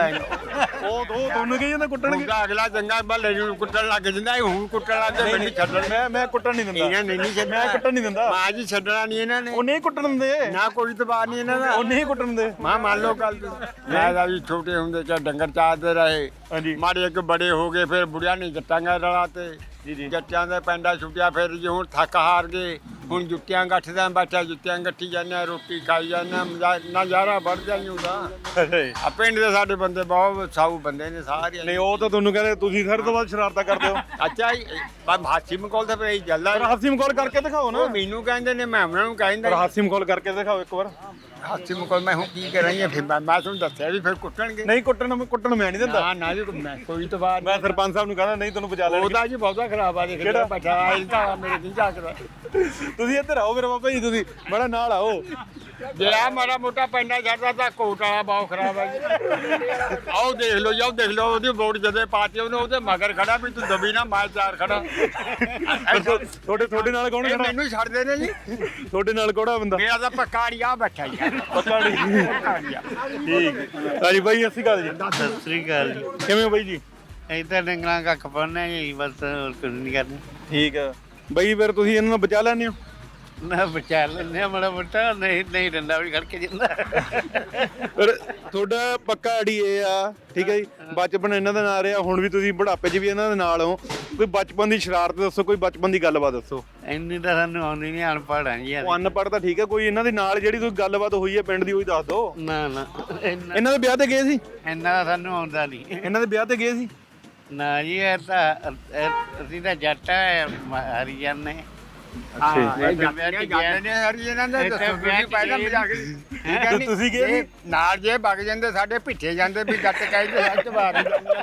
ਉਹ ਤੁਹਾਨੂੰ ਕਹੀ ਜਾਂਦਾ ਕੁੱਟਣਗੇ। ਅਗਲਾ ਚੰਗਾ ਬੱਲੇ ਨੂੰ ਕੁੱਟਣ ਲੱਗ ਜਾਂਦਾ, ਹੁਣ ਕੁੱਟਣ ਲੱਗ ਗਏ ਮੈਨੂੰ ਛੱਡਣ। ਮੈਂ ਕੁੱਟਣ ਨਹੀਂ ਦਿੰਦਾ, ਇਹਨਾਂ ਨੇ ਨਹੀਂ ਛੱਡਣਾ, ਮੈਂ ਕੁੱਟਣ ਨਹੀਂ ਦਿੰਦਾ। ਮਾਂ ਜੀ ਛੱਡਣਾ ਨਹੀਂ ਇਹਨਾਂ ਨੇ, ਉਹ ਨਹੀਂ ਕੁੱਟਣ ਦਿੰਦੇ ਨਾ ਕੋਈ ਤਬਾਰ ਨਹੀਂ ਇਹਨਾਂ ਦਾ, ਉਹ ਨਹੀਂ ਕੁੱਟਣ ਦਿੰਦੇ। ਮਾਂ ਮੰਨ ਲਓ ਗੱਲ ਮੈਂ ਤਾਂ ਜੀ ਛੋਟੇ ਹੁੰਦੇ ਚ ਡੰਗਰ ਚਾਰਦੇ ਰਹੇ। ਹਾਂਜੀ, ਮਾੜੇ ਇੱਕ ਬੜੇ ਹੋ ਗਏ, ਫਿਰ ਬੁੜਿਆਂ ਨੇ ਜੱਟਾਂਗਾ ਰਲਾ ਤੇ ਜੱਟਾਂ ਦੇ ਪੈਂਡਾ ਛੁੱਟਿਆ। ਫਿਰ ਜੀ ਹੁਣ ਥੱਕ ਹਾਰ ਗਏ, ਹੁਣ ਜੁੱਤੀਆਂ ਗੱਠਦਾ ਬੈਠਾ, ਜੁੱਤੀਆਂ ਗੱਠੀ ਜਾਂਦੇ, ਰੋਟੀ ਖਾਈ ਜਾਂਦੇ, ਨਜ਼ਾਰਾ ਵੱਧ ਜਾਈ ਹੁੰਦਾ। ਆ ਪਿੰਡ ਦੇ ਸਾਡੇ ਬੰਦੇ ਬਹੁਤ ਸਾਊ ਬੰਦੇ ਨੇ ਸਾਰੇ। ਨਹੀਂ ਉਹ ਤਾਂ ਤੁਹਾਨੂੰ ਕਹਿੰਦੇ ਤੁਸੀਂ ਸਾਰੇ ਤੋਂ ਵੱਧ ਸ਼ਰਾਰਤਾਂ ਕਰਦੇ ਹੋ। ਅੱਛਾ ਹਾਸੀ ਮਖੌਲ ਤਾਂ ਫਿਰ ਜਲਦਾ ਹਾਸੀ ਮਖੌਲ ਕਰਕੇ ਦਿਖਾਓ ਨਾ। ਮੈਨੂੰ ਕਹਿੰਦੇ ਨੇ, ਮੈਂ ਉਹਨਾਂ ਨੂੰ ਕਹਿੰਦਾ ਹਾਸੀ ਮਖੌਲ ਕਰਕੇ ਦਿਖਾਓ ਇੱਕ ਵਾਰ। ਹਾਸੀ ਮਖੌਲ ਮੈਂ ਹੁਣ ਕੀ ਕਰਾਂਗੇ? ਫਿਰ ਮੈਂ ਤੁਹਾਨੂੰ ਦੱਸਿਆ ਵੀ ਫਿਰ ਕੁੱਟਣਗੇ। ਨਹੀਂ ਕੁੱਟਣ ਮੈਂ ਨਹੀਂ ਦਿੰਦਾ। ਨਾ ਜੀ ਮੈਂ ਕੋਈ ਤਾਂ ਬਾਤ। ਮੈਂ ਸਰਪੰਚ ਸਾਹਿਬ ਨੂੰ ਕਹਿੰਦਾ ਨਹੀਂ ਤੁਹਾਨੂੰ ਬਚਾ ਲੈਣਗੇ। ਉਹਦਾ ਜੀ ਬਹੁਤਾ ਖਰਾਬ ਆ, ਦੇਖ ਕਿਹੜਾ ਬੈਠਾ ਇਹ ਤਾਂ ਮੇਰੇ ਨਹੀਂ ਝਾਕਦਾ। ਤੁਸੀਂ ਇੱਧਰ ਆਓ ਮੇਰੇ ਬਾਬਾ ਜੀ, ਤੁਸੀਂ ਬੜਾ ਨਾਲ ਆਓ। ਜੇ ਆ ਮਾੜਾ ਮੋਟਾ ਪੈਂਡਾ ਛੱਡਦਾ ਤਾਂ ਕੋਟ ਵਾਲਾ ਬਹੁਤ ਖਰਾਬ ਹੈ ਜੀ। ਆਓ ਦੇਖ ਲਓ ਜੀ, ਆਓ ਦੇਖ ਲਓ, ਉਹਦੀ ਵੋਟ ਜਦੇ ਪਾਤੀ ਉਹਨੇ, ਉਹਦੇ ਮਗਰ ਖੜਾ ਵੀ ਤੂੰ ਦਬੀ ਨਾ ਮੈਂ ਚਾਰ ਖੜਾ। ਤੁਹਾਡੇ ਨਾਲ ਕੌਣ ਇਹ ਖੜਾ? ਮੈਨੂੰ ਛੱਡਦੇ ਨੇ ਜੀ, ਤੁਹਾਡੇ ਨਾਲ ਕੋੜਾ ਬੰਦਾ? ਮੇਰਾ ਤਾਂ ਪਕਾੜੀਆ ਬੈਠਾ ਜੀ। ਪਤਾ ਨਹੀਂ। ਪਕਾੜੀਆ ਠੀਕ ਹਾਂਜੀ ਬਾਈ, ਅਸੀਂ ਗੱਲ ਜੀ ਸਤਿ ਸ੍ਰੀ ਅਕਾਲ ਜੀ। ਕਿਵੇਂ ਹੋ ਬਾਈ ਜੀ? ਅਸੀਂ ਤਾਂ ਡੰਗਰਾਂ ਕੱਖ ਪਾਉਂਦੇ ਜੀ, ਬਸ ਹੋਰ ਕੁਝ ਨਹੀਂ ਕਰਦੇ। ਠੀਕ ਆ ਬਾਈ, ਫਿਰ ਤੁਸੀਂ ਇਹਨਾਂ ਨੂੰ ਬਚਾ ਲੈਂਦੇ ਹੋ? ਨਾ ਬਚਾ ਲੈਂਦੇ ਆ ਮਾੜਾ ਮੋਟਾ, ਨਹੀਂ ਡੰਡਾ ਵੀ ਖੜ ਕੇ ਜਾਂਦਾ। ਪਰ ਤੁਹਾਡਾ ਪੱਕਾ ਆੜੀ ਇਹ ਆ, ਠੀਕ ਹੈ ਜੀ, ਬਚਪਨ ਇਹਨਾਂ ਦਾ ਨਾਲ ਰਿਹਾ, ਹੁਣ ਵੀ ਤੁਸੀਂ ਬੁਢਾਪੇ 'ਚ ਵੀ ਇਹਨਾਂ ਦੇ ਨਾਲ ਹੋ। ਕੋਈ ਬਚਪਨ ਦੀ ਸ਼ਰਾਰਤ ਦੱਸੋ, ਕੋਈ ਬਚਪਨ ਦੀ ਗੱਲਬਾਤ ਦੱਸੋ। ਇੰਨੀ ਤਾਂ ਸਾਨੂੰ ਆਉਂਦੀ ਨਹੀਂ, ਅਨਪੜ੍ਹ ਆ ਜੀ। ਉਹ ਅਨਪੜ੍ਹ ਤਾਂ ਠੀਕ ਹੈ, ਕੋਈ ਇਹਨਾਂ ਦੇ ਨਾਲ ਜਿਹੜੀ ਕੋਈ ਗੱਲਬਾਤ ਹੋਈ ਹੈ ਪਿੰਡ ਦੀ, ਉਹੀ ਦੱਸ ਦਿਓ। ਨਾ ਇਹਨਾਂ ਦੇ ਵਿਆਹ ਤੇ ਗਏ ਸੀ? ਇੰਨਾ ਤਾਂ ਸਾਨੂੰ ਆਉਂਦਾ ਨਹੀਂ। ਇਹਨਾਂ ਦੇ ਵਿਆਹ ਤੇ ਗਏ ਸੀ? ਨਾ ਜੀ, ਇਹ ਤਾਂ ਅਸੀਂ ਤਾਂ ਜੱਟ ਆ, ਹਰੀਜਨ ਨੇ। ਹਾਂ ਇਹ ਜਾਂਦੇ ਨੇ ਹਰੀ ਇਹਨਾਂ ਦੇ ਦੱਸੋ ਤੁਸੀਂ ਪਹਿਲਾਂ ਮਜ਼ਾਕ ਤੇ ਤੁਸੀਂ ਗਏ ਸੀ? ਨਾਲ ਜੇ ਵਗ ਜਾਂਦੇ ਸਾਡੇ ਪਿੱਠੇ ਜਾਂਦੇ ਵੀ ਜੱਟ ਕਹਿੰਦੇ ਸੱਚ ਬਾਤ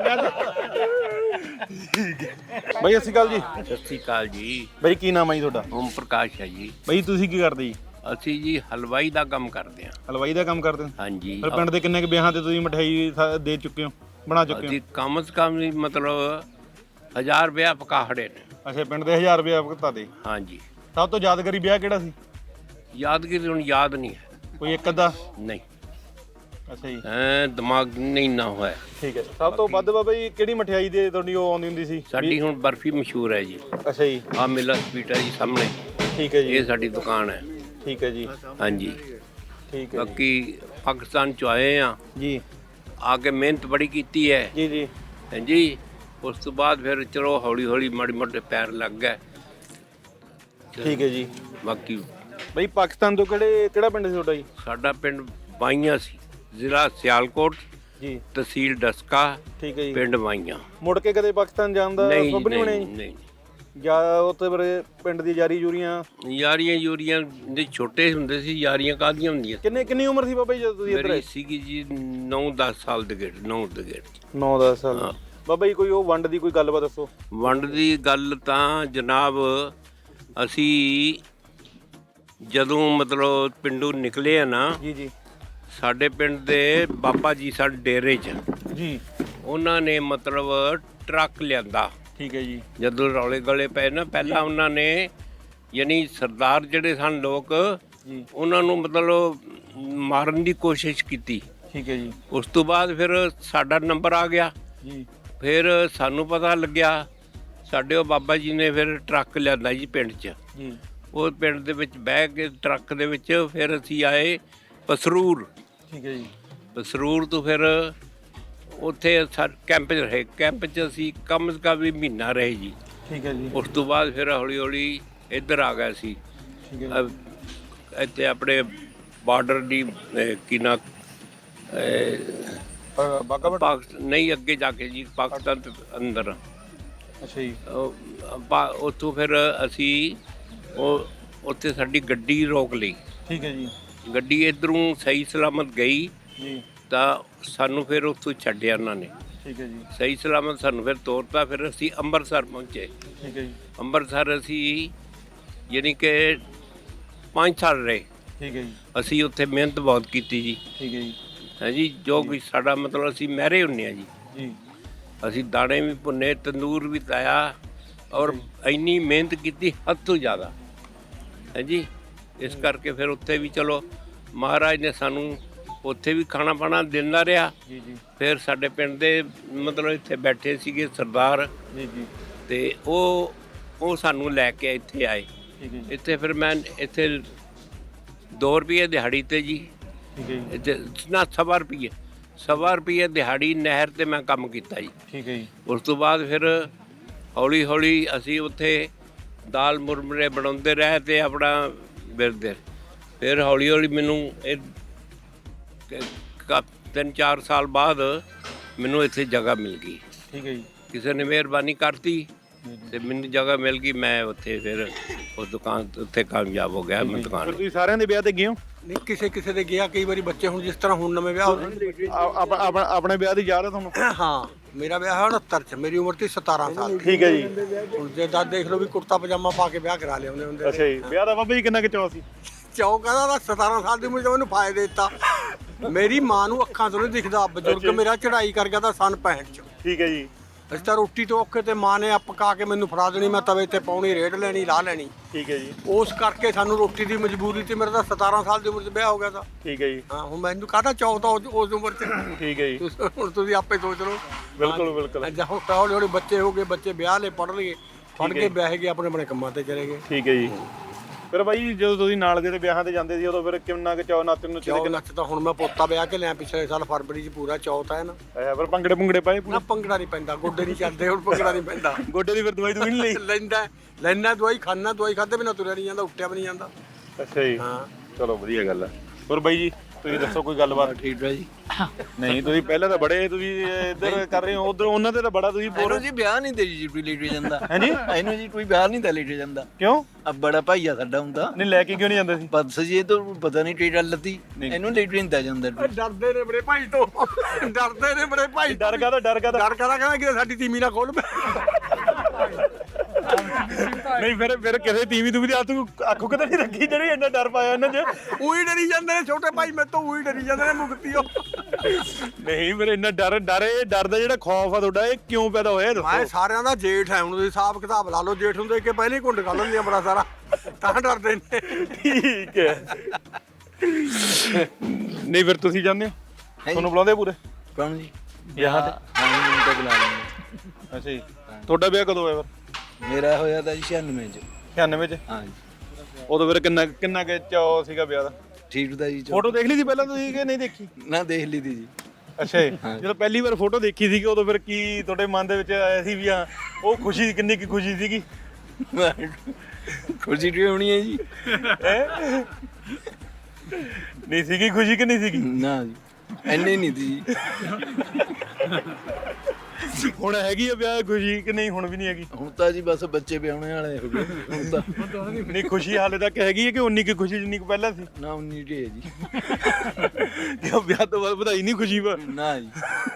ਬਾਈ ਅਸੀਂ ਗੱਲ ਜੀ। ਸਤਿ ਸ੍ਰੀ ਅਕਾਲ ਜੀ। ਬਾਈ ਕੀ ਨਾਮ ਹੈ ਜੀ ਤੁਹਾਡਾ? ਓਮ ਪ੍ਰਕਾਸ਼ ਹੈ ਜੀ। ਬਾਈ ਤੁਸੀਂ ਕੀ ਕਰਦੇ ਜੀ? ਅਸੀਂ ਜੀ ਹਲਵਾਈ ਦਾ ਕੰਮ ਕਰਦੇ ਹਾਂ। ਹਲਵਾਈ ਦਾ ਕੰਮ ਕਰਦੇ ਹੋ? ਹਾਂਜੀ। ਫਿਰ ਪਿੰਡ ਦੇ ਕਿੰਨੇ ਕੁ ਵਿਆਹਾਂ ਤੇ ਤੁਸੀਂ ਮਠਿਆਈ ਦੇ ਚੁੱਕੇ ਹੋ, ਬਣਾ ਚੁੱਕੇ ਹੋ? ਅਸੀਂ ਕਮ ਸੇ ਕਮ ਵੀ ਮਤਲਬ 1000 ਰੁਪਇਆ ਪਕਾਹੜੇ ਨੇ। ਅੱਛਾ, ਪਿੰਡ ਦੇ 1000 ਰੁਪਏ ਭੁਗਤਾ ਦੇ। ਹਾਂਜੀ। ਸਭ ਤੋਂ ਯਾਦਗਾਰੀ ਵਿਆਹ ਕਿਹੜਾ ਸੀ? ਯਾਦਗਿਰੀ ਹੁਣ ਯਾਦ ਨਹੀਂ ਹੈ। ਕੋਈ ਇੱਕ ਅੱਧਾ? ਨਹੀਂ, ਅੱਛਾ ਜੀ, ਦਿਮਾਗ ਨਹੀਂ ਨਾ ਹੋਇਆ। ਠੀਕ ਹੈ। ਸਭ ਤੋਂ ਵੱਧ ਬਾਬਾ ਜੀ ਕਿਹੜੀ ਮਠਿਆਈ ਦੇ ਤੁਹਾਡੀ ਉਹ ਆਉਂਦੀ ਹੁੰਦੀ ਸੀ? ਸਾਡੀ ਹੁਣ ਬਰਫੀ ਮਸ਼ਹੂਰ ਹੈ ਜੀ। ਅੱਛਾ ਜੀ, ਆ ਮਿਲਾ ਸਵੀਟ ਹੈ ਜੀ ਸਾਹਮਣੇ, ਠੀਕ ਹੈ ਜੀ, ਇਹ ਸਾਡੀ ਦੁਕਾਨ ਹੈ। ਠੀਕ ਹੈ ਜੀ, ਹਾਂਜੀ। ਠੀਕ ਹੈ ਬਾਕੀ ਪਾਕਿਸਤਾਨ ਚ ਆਏ ਆ, ਜੀ ਆ ਕੇ ਮਿਹਨਤ ਬੜੀ ਕੀਤੀ ਹੈ। ਜੀ ਜੀ ਹਾਂਜੀ। ਉਸ ਤੋਂ ਬਾਅਦ ਫਿਰ ਚਲੋ ਹੌਲੀ ਹੌਲੀ ਮਾੜੀ ਮੋਟੇ ਪੈਰ ਲੱਗ ਗਏ। ਠੀਕ ਹੈ ਜੀ। ਬਾਕੀ ਬਈ ਪਾਕਿਸਤਾਨ ਤੋਂ ਕਿਹੜਾ ਪਿੰਡ ਸੀ ਤੁਹਾਡਾ ਜੀ? ਸਾਡਾ ਪਿੰਡ ਬਾਈਆਂ ਸੀ, ਜ਼ਿਲ੍ਹਾ ਸਿਆਲਕੋਟ, ਜੀ ਤਹਿਸੀਲ ਡਸਕਾ, ਠੀਕ ਹੈ ਜੀ। ਪਿੰਡ ਬਾਈਆਂ। ਮੁੜ ਕੇ ਕਦੇ ਪਾਕਿਸਤਾਨ ਜਾਣ ਦਾ ਨਹੀਂ ਸੁਪਨਾ ਨਹੀਂ ਬਣਿਆ ਜੀ? ਨਹੀਂ, ਜਾਂ ਉੱਥੇ ਬਰੇ ਪਿੰਡ ਦੀ ਯਾਰੀ ਯੂਰੀਆਂ? ਯਾਰੀਆਂ ਯੂਰੀਆਂ ਦੇ ਛੋਟੇ ਹੁੰਦੇ ਸੀ, ਯਾਰੀਆਂ ਕਾਹਦੀਆਂ ਹੁੰਦੀਆਂ। ਕਿੰਨੀ ਉਮਰ ਸੀ ਬਾਬਾ ਜੀ ਜਦੋਂ ਤੁਸੀਂ ਇੱਧਰ ਮੇਰੀ ਆਏ? ਸੀਗੀ ਜੀ 9-10 ਸਾਲ ਦੇ ਗੇੜ, 9 ਦੇ ਗੇੜ। 9-10 ਸਾਲ। ਹਾਂ। ਬਾਬਾ ਜੀ ਕੋਈ ਉਹ ਵੰਡ ਦੀ ਕੋਈ ਗੱਲਬਾਤ ਦੱਸੋ। ਵੰਡ ਦੀ ਗੱਲ ਤਾਂ ਜਨਾਬ, ਅਸੀਂ ਜਦੋਂ ਮਤਲਬ ਪਿੰਡੋਂ ਨਿਕਲੇ ਆ ਨਾ, ਜੀ ਜੀ ਸਾਡੇ ਪਿੰਡ ਦੇ ਬਾਬਾ ਜੀ ਸਾਡੇ ਡੇਰੇ 'ਚ, ਜੀ, ਉਹਨਾਂ ਨੇ ਮਤਲਬ ਟਰੱਕ ਲਿਆਂਦਾ। ਠੀਕ ਹੈ ਜੀ, ਜਦੋਂ ਰੌਲੇ ਗਲੇ ਪਏ ਨਾ, ਪਹਿਲਾਂ ਉਹਨਾਂ ਨੇ ਯਾਨੀ ਸਰਦਾਰ ਜਿਹੜੇ ਸਨ ਲੋਕ, ਜੀ ਉਹਨਾਂ ਨੂੰ ਮਤਲਬ ਮਾਰਨ ਦੀ ਕੋਸ਼ਿਸ਼ ਕੀਤੀ। ਠੀਕ ਹੈ ਜੀ, ਉਸ ਤੋਂ ਬਾਅਦ ਫਿਰ ਸਾਡਾ ਨੰਬਰ ਆ ਗਿਆ। ਜੀ ਫਿਰ ਸਾਨੂੰ ਪਤਾ ਲੱਗਿਆ, ਸਾਡੇ ਉਹ ਬਾਬਾ ਜੀ ਨੇ ਫਿਰ ਟਰੱਕ ਲਿਆਂਦਾ ਜੀ ਪਿੰਡ 'ਚ। ਜੀ ਉਹ ਪਿੰਡ ਦੇ ਵਿੱਚ ਬਹਿ ਕੇ ਟਰੱਕ ਦੇ ਵਿੱਚ ਫਿਰ ਅਸੀਂ ਆਏ ਪਸਰੂਰ। ਠੀਕ ਹੈ ਜੀ, ਪਸਰੂਰ ਤੋਂ ਫਿਰ ਉੱਥੇ ਕੈਂਪ 'ਚ ਰਹੇ। ਕੈਂਪ 'ਚ ਅਸੀਂ ਕਮ ਸੇ ਕਮ ਵੀ ਮਹੀਨਾ ਰਹੇ ਜੀ। ਠੀਕ ਹੈ ਜੀ, ਉਸ ਤੋਂ ਬਾਅਦ ਫਿਰ ਹੌਲੀ ਹੌਲੀ ਇੱਧਰ ਆ ਗਏ ਸੀ। ਠੀਕ ਹੈ ਇੱਥੇ ਆਪਣੇ ਬਾਰਡਰ ਦੀ ਕੀ ਨਾ ਬਾਗਾ ਨਹੀਂ, ਅੱਗੇ ਜਾ ਕੇ ਜੀ ਪਾਕਿਸਤਾਨ ਦੇ ਅੰਦਰ। ਅੱਛਾ ਜੀ, ਉੱਥੋਂ ਫਿਰ ਅਸੀਂ ਉੱਥੇ ਸਾਡੀ ਗੱਡੀ ਰੋਕ ਲਈ। ਠੀਕ ਹੈ ਜੀ, ਗੱਡੀ ਇੱਧਰੋਂ ਸਹੀ ਸਲਾਮਤ ਗਈ ਜੀ ਤਾਂ ਸਾਨੂੰ ਫਿਰ ਉੱਥੋਂ ਛੱਡਿਆ ਉਹਨਾਂ ਨੇ। ਠੀਕ ਹੈ ਜੀ, ਸਹੀ ਸਲਾਮਤ ਸਾਨੂੰ ਫਿਰ ਤੋਰਤਾ। ਫਿਰ ਅਸੀਂ ਅੰਮ੍ਰਿਤਸਰ ਪਹੁੰਚੇ। ਠੀਕ ਹੈ ਜੀ, ਅੰਮ੍ਰਿਤਸਰ ਅਸੀਂ ਯਾਨੀ ਕਿ 5 ਸਾਲ ਰਹੇ। ਠੀਕ ਹੈ ਜੀ, ਅਸੀਂ ਉੱਥੇ ਮਿਹਨਤ ਬਹੁਤ ਕੀਤੀ ਜੀ। ਠੀਕ ਹੈ ਜੀ, ਹਾਂਜੀ। ਜੋ ਵੀ ਸਾਡਾ ਮਤਲਬ ਅਸੀਂ ਮਹਿਰੇ ਹੁੰਦੇ ਹਾਂ ਜੀ। ਜੀ ਅਸੀਂ ਦਾਣੇ ਵੀ ਭੁੰਨੇ, ਤੰਦੂਰ ਵੀ ਤਾਇਆ, ਔਰ ਇੰਨੀ ਮਿਹਨਤ ਕੀਤੀ ਹੱਦ ਤੋਂ ਜ਼ਿਆਦਾ। ਹਾਂਜੀ। ਇਸ ਕਰਕੇ ਫਿਰ ਉੱਥੇ ਵੀ ਚਲੋ ਮਹਾਰਾਜ ਨੇ ਸਾਨੂੰ ਉੱਥੇ ਵੀ ਖਾਣਾ ਪਾਣਾ ਦਿੰਦਾ ਰਿਹਾ। ਜੀ ਜੀ, ਫਿਰ ਸਾਡੇ ਪਿੰਡ ਦੇ ਮਤਲਬ ਇੱਥੇ ਬੈਠੇ ਸੀਗੇ ਸਰਦਾਰ, ਜੀ ਜੀ, ਤੇ ਉਹ ਸਾਨੂੰ ਲੈ ਕੇ ਇੱਥੇ ਆਏ। ਠੀਕ ਹੈ ਜੀ, ਇੱਥੇ ਫਿਰ ਮੈਂ ਇੱਥੇ 2 ਰੁਪਏ ਦਿਹਾੜੀ ਤੇ ਜੀ, ਠੀਕ ਹੈ ਜੀ, ਇੱਥੇ ਨਾ 1.25 ਰੁਪਏ ਦਿਹਾੜੀ ਨਹਿਰ ਤੇ ਮੈਂ ਕੰਮ ਕੀਤਾ ਜੀ। ਠੀਕ ਹੈ ਜੀ, ਉਸ ਤੋਂ ਬਾਅਦ ਫਿਰ ਹੌਲੀ ਹੌਲੀ ਅਸੀਂ ਉੱਥੇ ਦਾਲ ਮੁਰਮਰੇ ਬਣਾਉਂਦੇ ਰਹੇ ਤੇ ਆਪਣਾ ਬਿਰਦੇ। ਫਿਰ ਹੌਲੀ ਹੌਲੀ ਮੈਨੂੰ ਇਹ 3-4 ਸਾਲ ਬਾਅਦ ਮੈਨੂੰ ਇੱਥੇ ਜਗ੍ਹਾ ਮਿਲ ਗਈ। ਠੀਕ ਹੈ ਜੀ, ਕਿਸੇ ਨੇ ਮਿਹਰਬਾਨੀ ਕਰਤੀ ਤੇ ਮੈਨੂੰ ਜਗ੍ਹਾ ਮਿਲ ਗਈ। ਮੈਂ ਉੱਥੇ ਫਿਰ ਉਸ ਦੁਕਾਨ ਉੱਥੇ ਕਾਮਯਾਬ ਹੋ ਗਿਆ। ਮੈਂ ਫਿਰ ਦੁਕਾਨ ਤੁਸੀਂ ਸਾਰਿਆਂ ਦੇ ਵਿਆਹ ਤੇ ਗਏ ਹੋ? ਨਹੀਂ, ਕਿਸੇ ਦੇ ਗਿਆ। ਕਈ ਵਾਰੀ ਬੱਚੇ ਹੁਣ ਜਿਸ ਤਰ੍ਹਾਂ ਹੁਣ ਨਵੇਂ ਵਿਆਹ ਹੋ ਆਪਣੇ ਵਿਆਹ ਦੀ ਯਾਦ ਹੈ ਤੁਹਾਨੂੰ? ਹਾਂ, ਮੇਰਾ ਵਿਆਹ ਹੋਇਆ 69 ਚ, ਮੇਰੀ ਉਮਰ ਸੀ 17 ਸਾਲ। ਠੀਕ ਹੈ ਜੀ। ਹੁਣ ਜੇ ਤਾਂ ਦੇਖ ਲਓ ਵੀ ਕੁੜਤਾ ਪਜਾਮਾ ਪਾ ਕੇ ਵਿਆਹ ਕਰਾ ਲਿਆਉਂਦੇ ਹੁੰਦੇ। ਅੱਛਾ ਜੀ, ਵਿਆਹ ਦਾ ਬਾਬਾ ਜੀ ਕਿੰਨਾ ਕੁ ਚਾਅ ਸੀ? ਚੌਕ ਕਹਿੰਦਾ 17 ਸਾਲ ਦੀ ਉਮਰ 'ਚ ਮੈਨੂੰ ਫਾਇਦੇ ਦਿੱਤਾ। ਮੇਰੀ ਮਾਂ ਨੂੰ ਅੱਖਾਂ ਤੋਂ ਨਹੀਂ ਦਿਖਦਾ, ਬਜ਼ੁਰਗ ਮੇਰਾ ਚੜ੍ਹਾਈ ਕਰ ਗਿਆ ਤਾਂ ਸਨ 65 ਚ। ਠੀਕ ਹੈ ਜੀ। ਅਸੀਂ ਤਾਂ ਰੋਟੀ ਤੋਂ ਔਖੇ ਤੇ ਮਾਂ ਨੇ ਪਕਾ ਕੇ ਮੈਨੂੰ ਫੜਾ ਦੇਣੀ, ਮੈਂ ਤਵੇ ਤੇ ਪਾਉਣੀ, ਰੇੜ ਲੈਣੀ, ਲਾਹ ਲੈਣੀ। ਠੀਕ ਹੈ ਜੀ। ਉਸ ਕਰਕੇ ਸਾਨੂੰ ਰੋਟੀ ਦੀ ਮਜਬੂਰੀ ਤੇ ਮੇਰਾ ਤਾਂ 17 ਸਾਲ ਦੀ ਉਮਰ 'ਚ ਵਿਆਹ ਹੋ ਗਿਆ ਤਾਂ। ਠੀਕ ਹੈ ਜੀ। ਹਾਂ, ਹੁਣ ਮੈਨੂੰ ਕਾਹਦਾ ਚੌਕ ਤਾਂ ਉਸ ਉਮਰ 'ਚ। ਠੀਕ ਹੈ ਜੀ। ਹੁਣ ਤੁਸੀਂ ਆਪੇ ਸੋਚ ਲਓ। ਬਿਲਕੁਲ ਬਿਲਕੁਲ। ਅੱਜ ਹੁਣ ਹੌਲੀ ਹੌਲੀ ਬੱਚੇ ਹੋ ਗਏ, ਬੱਚੇ ਵਿਆਹ ਲੈ, ਪੜ੍ਹ ਲਏ, ਪੜ੍ਹ ਕੇ ਵਿਆਹ ਗਏ, ਆਪਣੇ ਆਪਣੇ ਕੰਮਾਂ ਤੇ ਚਲੇ ਗਏ। ਠੀਕ ਹੈ ਜੀ। ਫਿਰ ਬਾਈ ਜਦੋਂ ਤੁਸੀਂ ਨਾਲ ਦੇ ਵਿਆਹਾਂ ਤੇ ਜਾਂਦੇ ਸੀ ਉਦੋਂ ਫਿਰ ਕਿੰਨਾ ਕੁ ਚਾਅ ਨੱਚਣ ਨੂੰ ਚੌਕ ਨੱਚ ਤਾਂ ਹੁਣ ਮੈਂ ਪੋਤਾ ਵਿਆਹ ਕੇ ਲਿਆ ਪਿਛਲੇ ਸਾਲ ਫਰਵਰੀ 'ਚ, ਪੂਰਾ ਚੌਥ ਹੈ ਨਾ। ਅੱਛਾ, ਫਿਰ ਭੰਗੜੇ ਭੁੰਗੜੇ ਪਾਏ ਨਾ ਭੰਗੜਾ ਨਹੀਂ ਪੈਂਦਾ, ਗੋਡੇ ਨਹੀਂ ਚੱਲਦੇ ਹੁਣ, ਭੰਗੜਾ ਨਹੀਂ ਪੈਂਦਾ। ਗੋਡੇ ਦੀ ਫਿਰ ਦਵਾਈ ਦਵਾਈ ਨਹੀਂ ਲਈ? ਲੈਣਾ ਦਵਾਈ, ਖਾਣਾ ਦਵਾਈ, ਖਾਦੇ ਬਿਨਾਂ ਤੁਰਿਆ ਨਹੀਂ ਜਾਂਦਾ, ਉੱਠਿਆ ਵੀ ਨਹੀਂ ਜਾਂਦਾ। ਅੱਛਾ ਜੀ। ਹਾਂ, ਚਲੋ ਵਧੀਆ ਗੱਲ ਹੈ। ਹੋਰ ਬਾਈ ਜੀ ਤੁਸੀਂ ਦੱਸੋ ਕੋਈ ਗੱਲਬਾਤ? ਠੀਕ ਹੈ ਜੀ। ਨਹੀਂ ਤੁਸੀਂ ਪਹਿਲਾਂ ਤਾਂ ਬੜੇ ਤੁਸੀਂ ਇੱਧਰ ਕਰ ਰਹੇ ਹੋ, ਉਧਰ ਉਹਨਾਂ ਤੇ ਤਾਂ ਬੜਾ ਤੁਸੀਂ ਬੋਲ ਇਹਨੂੰ ਜੀ ਵਿਆਹ ਨਹੀਂ ਤੇ ਜੀ ਕੋਈ ਲੇਟ ਜਾਂਦਾ। ਹਾਂਜੀ। ਇਹਨੂੰ ਜੀ ਕੋਈ ਵਿਆਹ ਨਹੀਂ ਤਾਂ ਲੇਟ ਜਾਂਦਾ। ਕਿਉਂ? ਆ ਬੜਾ ਭਾਈ ਆ ਸਾਡਾ ਹੁੰਦਾ। ਨਹੀਂ ਲੈ ਕੇ ਕਿਉਂ ਨਹੀਂ ਜਾਂਦੇ ਸੀ? ਬਸ ਜੀ ਇਹ ਤਾਂ ਪਤਾ ਨਹੀਂ ਟੇਡਾ ਲੱਤੀ, ਇਹਨੂੰ ਲੇਟ ਨਹੀਂ ਤਾਂ ਜਾਂਦਾ। ਡਰਦੇ ਨੇ ਬੜੇ ਭਾਈ ਤੋਂ, ਡਰਦੇ ਨੇ ਬੜੇ ਭਾਈ। ਡਰ ਕਾਹਦਾ? ਡਰ ਕਹਿੰਦਾ ਕਿ ਸਾਡੀ ਤੀਮੀ ਨਾ ਖੋਲ। ਨਹੀਂ ਫਿਰ ਕਿਸੇ ਟੀਵੀ ਤੂੰ ਵੀ ਅੱਖੋਂ ਕਿਤੇ ਨਹੀਂ ਰੱਖੀ ਜਿਹੜੀ ਇੰਨਾ ਡਰ ਪਾਇਆ ਇਹਨਾਂ 'ਚ? ਉਹੀ ਡਰੀ ਜਾਂਦੇ ਨੇ ਛੋਟੇ ਭਾਈ, ਮੇਰੇ ਤੋਂ ਉਹੀ ਡਰੀ ਜਾਂਦੇ ਨੇ ਮੁਕਤੀਓ। ਨਹੀਂ ਫਿਰ ਇੰਨਾ ਡਰ ਦਾ ਜਿਹੜਾ ਖੌਫ ਆ ਤੁਹਾਡਾ ਇਹ ਕਿਉਂ ਪੈਦਾ ਹੋਇਆ ਮੈਂ ਦੱਸੋ? ਸਾਰਿਆਂ ਦਾ ਜੇਠ ਹੈ, ਹੁਣ ਤੁਸੀਂ ਹਿਸਾਬ ਕਿਤਾਬ ਲਾ ਲਓ। ਜੇਠ ਹੁੰਦੇ ਕਿ ਪਹਿਲੇ ਹੀ ਘੁੰਡ ਕਰ ਲੈਂਦੀਆਂ ਬੜਾ ਸਾਰਾ, ਤਾਂ ਡਰਦੇ ਨੇ। ਠੀਕ ਹੈ। ਨਹੀਂ ਫਿਰ ਤੁਸੀਂ ਜਾਂਦੇ ਹੋ? ਤੁਹਾਨੂੰ ਬੁਲਾਉਂਦੇ ਪੂਰੇ ਕੌਣ ਜੀ? ਵਿਆਹਾਂ ਤੇ? ਹਾਂ ਜੀ, ਮੈਨੂੰ ਤਾਂ ਬੁਲਾ ਲੈਂਦੇ। ਅੱਛਾ ਜੀ। ਤੁਹਾਡਾ ਵਿਆਹ ਕਦੋਂ ਹੋਇਆ ਫਿਰ? ਮੇਰਾ ਹੋਇਆ ਤਾਂ ਜੀ 96 ਚ। 96 ਚ? ਹਾਂ ਜੀ। ਉਦੋਂ ਫਿਰ ਕਿੰਨਾ ਕੁ ਚਾਅ ਸੀਗਾ ਵਿਆਹ ਦਾ? ਠੀਕ ਦਾ ਜੀ। ਫੋਟੋ ਦੇਖ ਲਈ ਸੀ ਪਹਿਲਾਂ ਤੁਸੀਂ ਕਿ ਨਹੀਂ ਦੇਖੀ? ਨਾ ਦੇਖ ਲਈ ਤੀ ਜੀ। ਅੱਛਾ ਜੀ। ਜਦੋਂ ਪਹਿਲੀ ਵਾਰ ਫੋਟੋ ਦੇਖੀ ਸੀਗੀ ਉਦੋਂ ਫਿਰ ਕੀ ਤੁਹਾਡੇ ਮਨ ਦੇ ਵਿੱਚ ਆਇਆ ਸੀ ਵੀ ਹਾਂ ਉਹ ਖੁਸ਼ੀ ਕਿੰਨੀ ਕੀ ਖੁਸ਼ੀ ਸੀਗੀ? ਖੁਸ਼ੀ ਟੀ ਹੋਣੀ ਹੈ ਜੀ। ਹੈਂ? ਨਹੀਂ ਸੀਗੀ ਖੁਸ਼ੀ ਕਿ ਨਹੀਂ ਸੀਗੀ? ਨਾ ਜੀ ਐਨੇ ਨਹੀਂ ਤੀ ਜੀ। ਹੁਣ ਹੈਗੀ ਆ ਵਿਆਹ ਖੁਸ਼ੀ ਕਿ ਨਹੀਂ? ਹੁਣ ਵੀ ਨਹੀਂ ਹੈਗੀ? ਹੁਣ ਤਾਂ ਜੀ ਬਸ ਬੱਚੇ ਵਿਆਹਣੇ ਵਾਲੇ ਹੋ ਗਏ ਹੁਣ ਤਾਂ। ਨਹੀਂ ਖੁਸ਼ੀ ਹਾਲੇ ਤੱਕ ਹੈਗੀ ਹੈ ਕਿ ਉਨੀ ਕੀ ਖੁਸ਼ੀ ਜਿੰਨੀ ਕੁ ਪਹਿਲਾਂ ਸੀ? ਨਾ 19 ਟੀ ਹੈ ਜੀ। ਕਿ ਵਿਆਹ ਤੋਂ ਬਾਅਦ ਵਧਾਈ ਨਹੀਂ ਖੁਸ਼ੀ ਵਾ? ਨਾ ਜੀ।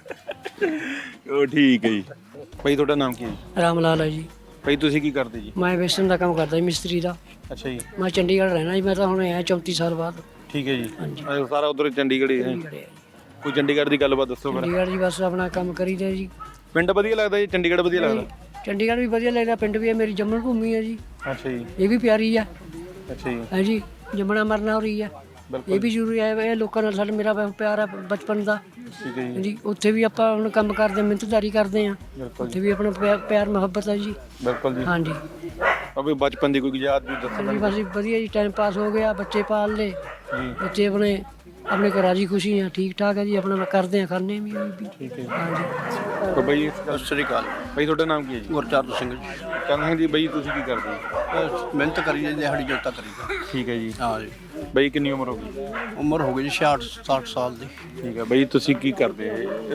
ਉਹ ਠੀਕ ਹੈ ਜੀ। ਭਾਈ ਤੁਹਾਡਾ ਨਾਮ ਕੀ ਹੈ ਜੀ? ਰਾਮ ਲਾਲ ਹੈ ਜੀ। ਭਾਈ ਤੁਸੀਂ ਕੀ ਕਰਦੇ ਜੀ? ਮੈਂ ਵੇਸਣ ਦਾ ਕੰਮ ਕਰਦਾ ਜੀ, ਮਿਸਤਰੀ ਦਾ। ਅੱਛਾ ਜੀ। ਮੈਂ ਚੰਡੀਗੜ੍ਹ ਰਹਿਣਾ ਜੀ, ਮੈਂ ਤਾਂ ਹੁਣ ਆਇਆ 34 ਸਾਲ ਬਾਅਦ। ਠੀਕ ਹੈ ਜੀ। ਸਾਰਾ ਉਧਰ ਚੰਡੀਗੜ੍ਹ ਹੀ ਹੈ। ਚੰਡੀਗੜ੍ਹ ਹੈ। ਕੋਈ ਚੰਡੀਗੜ੍ਹ ਦੀ ਗੱਲਬਾਤ ਦੱਸੋ ਫਿਰ। ਚੰਡੀਗੜ੍ਹ ਜੀ ਬਸ ਆਪਣਾ ਕੰਮ ਕਰੀਦਾ ਜੀ। ਪਿੰਡ ਵਧੀਆ ਲੱਗਦਾ ਜੀ? ਚੰਡੀਗੜ੍ਹ ਵਧੀਆ ਲੱਗਦਾ? ਚੰਡੀਗੜ੍ਹ ਵੀ ਵਧੀਆ ਲੱਗਦਾ, ਪਿੰਡ ਵੀ ਹੈ, ਮੇਰੀ ਜੰਮਣ ਭੂਮੀ ਹੈ ਜੀ। ਅੱਛਾ ਜੀ। ਇਹ ਵੀ ਪਿਆਰੀ ਹੈ। ਅੱਛਾ ਜੀ। ਹੈ ਜੀ, ਜੰਮਣਾ ਮਰਨਾ ਹੋ ਰਹੀ ਹੈ, ਇਹ ਵੀ ਜ਼ਰੂਰੀ ਹੈ। ਇਹ ਲੋਕਾਂ ਨਾਲ ਸਾਡਾ ਮੇਰਾ ਪਿਆਰ ਹੈ ਬਚਪਨ ਦਾ। ਠੀਕ ਹੈ ਜੀ। ਜੀ ਉੱਥੇ ਵੀ ਆਪਾਂ ਹੁਣ ਕੰਮ ਕਰਦੇ, ਮਿਹਨਤਦਾਰੀ ਕਰਦੇ ਹਾਂ, ਉੱਥੇ ਵੀ ਆਪਣਾ ਪਿਆਰ ਮੁਹੱਬਤ ਹੈ ਜੀ। ਬਿਲਕੁਲ ਜੀ। ਹਾਂਜੀ। ਅਬੇ ਬਚਪਨ ਦੀ ਕੋਈ ਯਾਦ ਵੀ ਦੱਸੋ? ਹਾਂਜੀ ਬਸ ਵਧੀਆ ਜੀ, ਟਾਈਮ ਪਾਸ ਹੋ ਗਿਆ, ਬੱਚੇ ਪਾਲ ਲਏ ਜੀ। ਬੱਚੇ ਆਪਣੇ ਘਰ ਰਾਜੀ ਖੁਸ਼ੀ ਆ, ਠੀਕ ਠਾਕ ਹੈ ਜੀ, ਆਪਣਾ ਕਰਦੇ ਆ, ਖਾਣੇ ਵੀ। ਠੀਕ ਹੈ। ਹਾਂਜੀ। ਤਾਂ ਬਈ ਸਤਿ ਸ੍ਰੀ ਅਕਾਲ। ਬਈ ਤੁਹਾਡਾ ਨਾਮ ਕੀ ਹੈ ਜੀ? ਗੁਰਚਰਨ ਸਿੰਘ ਜੀ। ਕਹਿੰਦਾ ਜੀ ਬਈ ਤੁਸੀਂ ਕੀ ਕਰਦੇ ਜੀ? ਮਿਹਨਤ ਕਰੀਏ, ਦਿਹਾੜੀ ਜੋਤਾ ਕਰੀਦਾ। ਠੀਕ ਹੈ ਜੀ। ਹਾਂ ਜੀ। ਬਈ ਕਿੰਨੀ ਉਮਰ ਹੋ ਗਈ? ਉਮਰ ਹੋ ਗਈ ਜੀ 66 ਸਾਲ ਦੀ। ਠੀਕ ਹੈ ਬਈ ਤੁਸੀਂ ਕੀ ਕਰਦੇ?